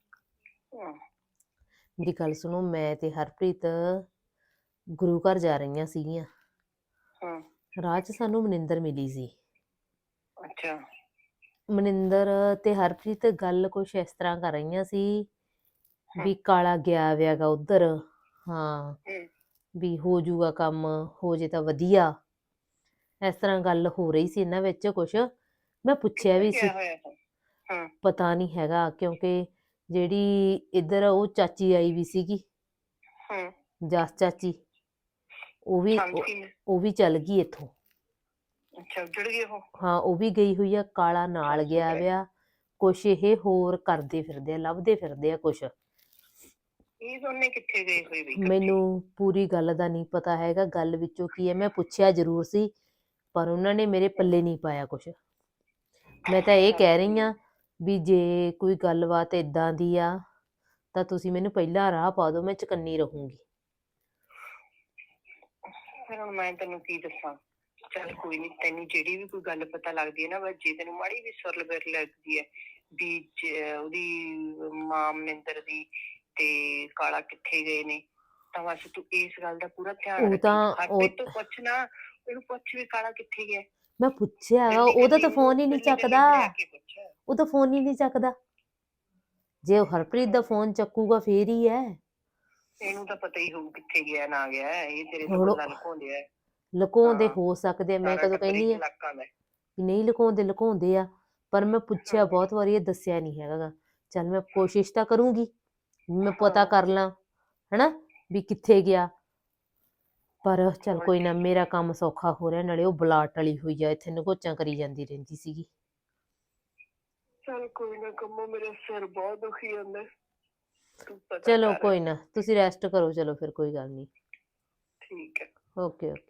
[SPEAKER 6] ਮੇਰੀ ਗੱਲ ਸੁਣੋ, ਮੈਂ ਤੇ ਹਰਪ੍ਰੀਤ ਗੁਰੂ ਘਰ ਜਾ ਰਹੀਆਂ ਸੀਗੀਆਂ।
[SPEAKER 7] ਹਾਂ।
[SPEAKER 6] ਰਾਹ 'ਚ ਸਾਨੂੰ ਮਨਿੰਦਰ ਮਿਲੀ ਸੀ।
[SPEAKER 7] ਅੱਛਾ।
[SPEAKER 6] ਮਨਿੰਦਰ ਤੇ ਹਰਪ੍ਰੀਤ ਗੱਲ ਕੁਛ ਇਸ ਤਰ੍ਹਾਂ ਕਰ ਰਹੀਆਂ ਸੀ ਵੀ ਕਾਲਾ ਗਿਆ ਵਿਆਗਾ ਉਧਰ। ਹਾਂ, ਵੀ ਹੋ ਜਾਊਗਾ ਕੰਮ, ਹੋ ਜੇ ਤਾਂ ਵਧੀਆ। ਇਸ ਤਰ੍ਹਾਂ ਗੱਲ ਹੋ ਰਹੀ ਸੀ ਇਹਨਾਂ ਵਿੱਚ ਕੁਛ। ਮੈਂ ਪੁੱਛਿਆ ਵੀ ਸੀ, ਪਤਾ ਨਹੀਂ ਹੈਗਾ, ਕਿਉਂਕਿ ਜਿਹੜੀ ਇੱਧਰ ਉਹ ਚਾਚੀ ਆਈ ਵੀ ਸੀਗੀ, ਜਸ ਚਾਚੀ, ਉਹ ਵੀ ਚੱਲ ਗਈ ਇੱਥੋਂ।
[SPEAKER 7] ਅੱਛਾ, ਉੱਜੜ ਗਏ ਉਹ।
[SPEAKER 6] ਹਾਂ, ਉਹ ਵੀ ਗਈ ਹੋਈ ਆ, ਕਾਲਾ ਨਾਲ ਗਿਆ ਵਿਆ। ਕੁਛ ਇਹ ਹੋਰ ਕਰਦੇ ਫਿਰਦੇ ਆ, ਲੱਭਦੇ ਫਿਰਦੇ ਆ ਕੁਛ।
[SPEAKER 7] ਇਹ ਦੋਨੇ ਕਿੱਥੇ ਗਏ ਹੋਏ ਵੀ?
[SPEAKER 6] ਮੈਨੂੰ ਪੂਰੀ ਗੱਲ ਦਾ ਨਹੀਂ ਪਤਾ ਹੈਗਾ, ਗੱਲ ਵਿੱਚੋਂ ਕੀ ਹੈ। ਮੈਂ ਪੁੱਛਿਆ ਜ਼ਰੂਰ ਸੀ, ਪਰ ਉਹਨਾਂ ਨੇ ਮੇਰੇ ਪੱਲੇ ਨਹੀਂ ਪਾਇਆ ਕੁਛ। ਮੈਂ ਤਾਂ ਇਹ ਕਹਿ ਰਹੀ ਹਾਂ ਵੀ ਜੇ ਕੋਈ ਗੱਲਬਾਤ ਇਦਾਂ ਦੀ ਆ ਤਾਂ ਤੁਸੀਂ ਮੈਨੂੰ ਪਹਿਲਾਂ ਰਾਹ ਪਾ ਦਿਓ, ਮੈਂ ਚੁਕੰਨੀ ਰਹੂੰਗੀ।
[SPEAKER 7] ਫਿਰ ਹੁਣ ਮੈਂ ਤੈਨੂੰ ਕੀ ਦੱਸਾਂ। ਚੱਲ ਕੋਈ ਨੀ, ਤੈਨੂੰ ਜਿਹੜੀ ਵੀ ਕੋਈ ਗੱਲ ਪਤਾ ਲੱਗਦੀ ਹੈ ਨਾ, ਬਸ ਜੇ ਤੈਨੂੰ ਮਾੜੀ ਵੀ ਸੁਰਲ ਬਿਰ ਲੱਗਦੀ ਹੈ ਵੀ ਉਹਦੀ ਮਾਂ ਮਨਿੰਦਰ ਦੀ ਤੇ ਕਾਲਾ ਕਿੱਥੇ ਗਏ ਨੇ, ਤਾਂ ਬਸ ਤੂੰ ਇਸ ਗੱਲ ਦਾ ਪੂਰਾ ਧਿਆਨ ਰੱਖੀ। ਹਰਪ੍ਰੀਤ ਤੋਂ ਪੁੱਛ ਨਾ, ਉਹਨੂੰ ਪੁੱਛ ਵੀ ਕਾਲਾ ਕਿੱਥੇ ਗਿਆ।
[SPEAKER 6] ਮੈਂ ਪੁੱਛਿਆ, ਉਹਦਾ ਤਾਂ ਫੋਨ ਹੀ ਨਹੀਂ ਚੱਕਦਾ। ਉਹ ਤਾਂ ਫੋਨ ਹੀ ਨਹੀਂ ਚੱਕਦਾ। ਜੇ ਉਹ ਹਰਪ੍ਰੀਤ ਦਾ ਫੋਨ ਚੱਕੂਗਾ ਫੇਰ ਹੀ ਹੈ।
[SPEAKER 7] ਇਹਨੂੰ ਤਾਂ ਪਤਾ ਹੀ ਹੋਊ ਕਿੱਥੇ ਗਿਆ ਨਾ ਗਿਆ, ਇਹ ਤੇਰੇ ਤੋਂ ਗੱਲਾਂ ਲੁਕਾਉਂਦੇ ਆ।
[SPEAKER 6] ਲੁਕਾਉਂਦੇ ਹੋ ਸਕਦੇ ਆ, ਮੈਂ ਕਦੋਂ ਕਹਿੰਦੀ ਆ ਨਹੀਂ ਲੁਕਾਉਂਦੇ ਆ, ਪਰ ਮੈਂ ਪੁੱਛਿਆ ਬਹੁਤ ਵਾਰੀ, ਇਹ ਦੱਸਿਆ ਨਹੀਂ ਹੈਗਾ। ਚੱਲ ਮੈਂ ਕੋਸ਼ਿਸ਼ ਤਾਂ ਕਰੂੰਗੀ, ਮੈਂ ਪਤਾ ਕਰ ਲਾਂ ਹਨਾ ਵੀ ਕਿੱਥੇ ਗਿਆ। ਪਰ ਚੱਲ ਕੋਈ ਨਾ, ਮੇਰਾ ਕੰਮ ਸੌਖਾ ਹੋ ਰਿਹਾ। ਨਾਲੇ ਉਹ ਬਲਾਟ ਵਾਲੀ ਹੋਈ ਆ, ਇੱਥੇ ਨਗੋਚਾਂ ਕਰੀ ਜਾਂਦੀ ਰਹਿੰਦੀ ਸੀਗੀ।
[SPEAKER 7] ਚੱਲ ਕੋਈ ਨਾ ਕੰਮੋ, ਮੇਰਾ ਸਿਰ ਬਹੁਤ ਦੁਖੀ ਜਾਂਦਾ।
[SPEAKER 6] ਚਲੋ ਕੋਈ ਨਾ, ਤੁਸੀਂ ਰੈਸਟ ਕਰੋ। ਚਲੋ ਫਿਰ ਕੋਈ ਗੱਲ ਨਹੀਂ।
[SPEAKER 7] ਠੀਕ ਹੈ।
[SPEAKER 6] Okay okay.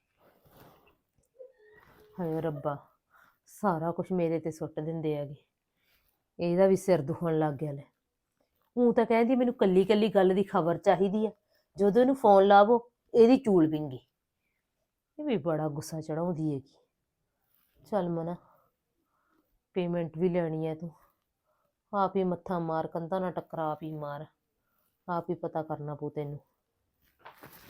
[SPEAKER 6] ਹਾਏ ਰੱਬਾ, ਸਾਰਾ ਕੁਝ ਮੇਰੇ ਤੇ ਸੁੱਟ ਦਿੰਦੇ ਹੈਗੇ। ਇਹਦਾ ਵੀ ਸਿਰ ਦੁਖਣ ਲੱਗ ਗਿਆ। ਲੈ ਉਹ ਤਾਂ ਕਹਿੰਦੀ ਮੈਨੂੰ ਕੱਲੀ ਕੱਲੀ ਗੱਲ ਦੀ ਖਬਰ ਚਾਹੀਦੀ ਆ, ਜਦੋਂ ਇਹਨੂੰ ਫੋਨ ਲਾਵੋ ਇਹਦੀ ਚੂਲ ਵਿੰਗੀ। ਇਹ ਵੀ ਬੜਾ ਗੁੱਸਾ ਚੜਾਉਂਦੀ ਹੈਗੀ। ਚੱਲ ਮਨਾ, ਪੇਮੈਂਟ ਵੀ ਲੈਣੀ ਹੈ, ਤੂੰ ਆਪ ਹੀ ਮੱਥਾ ਮਾਰ, ਕੰਧਾਂ ਨਾਲ ਟੱਕਰਾ ਆਪ ਹੀ ਮਾਰ, ਆਪ ਹੀ ਪਤਾ ਕਰਨਾ ਪਊ ਤੈਨੂੰ।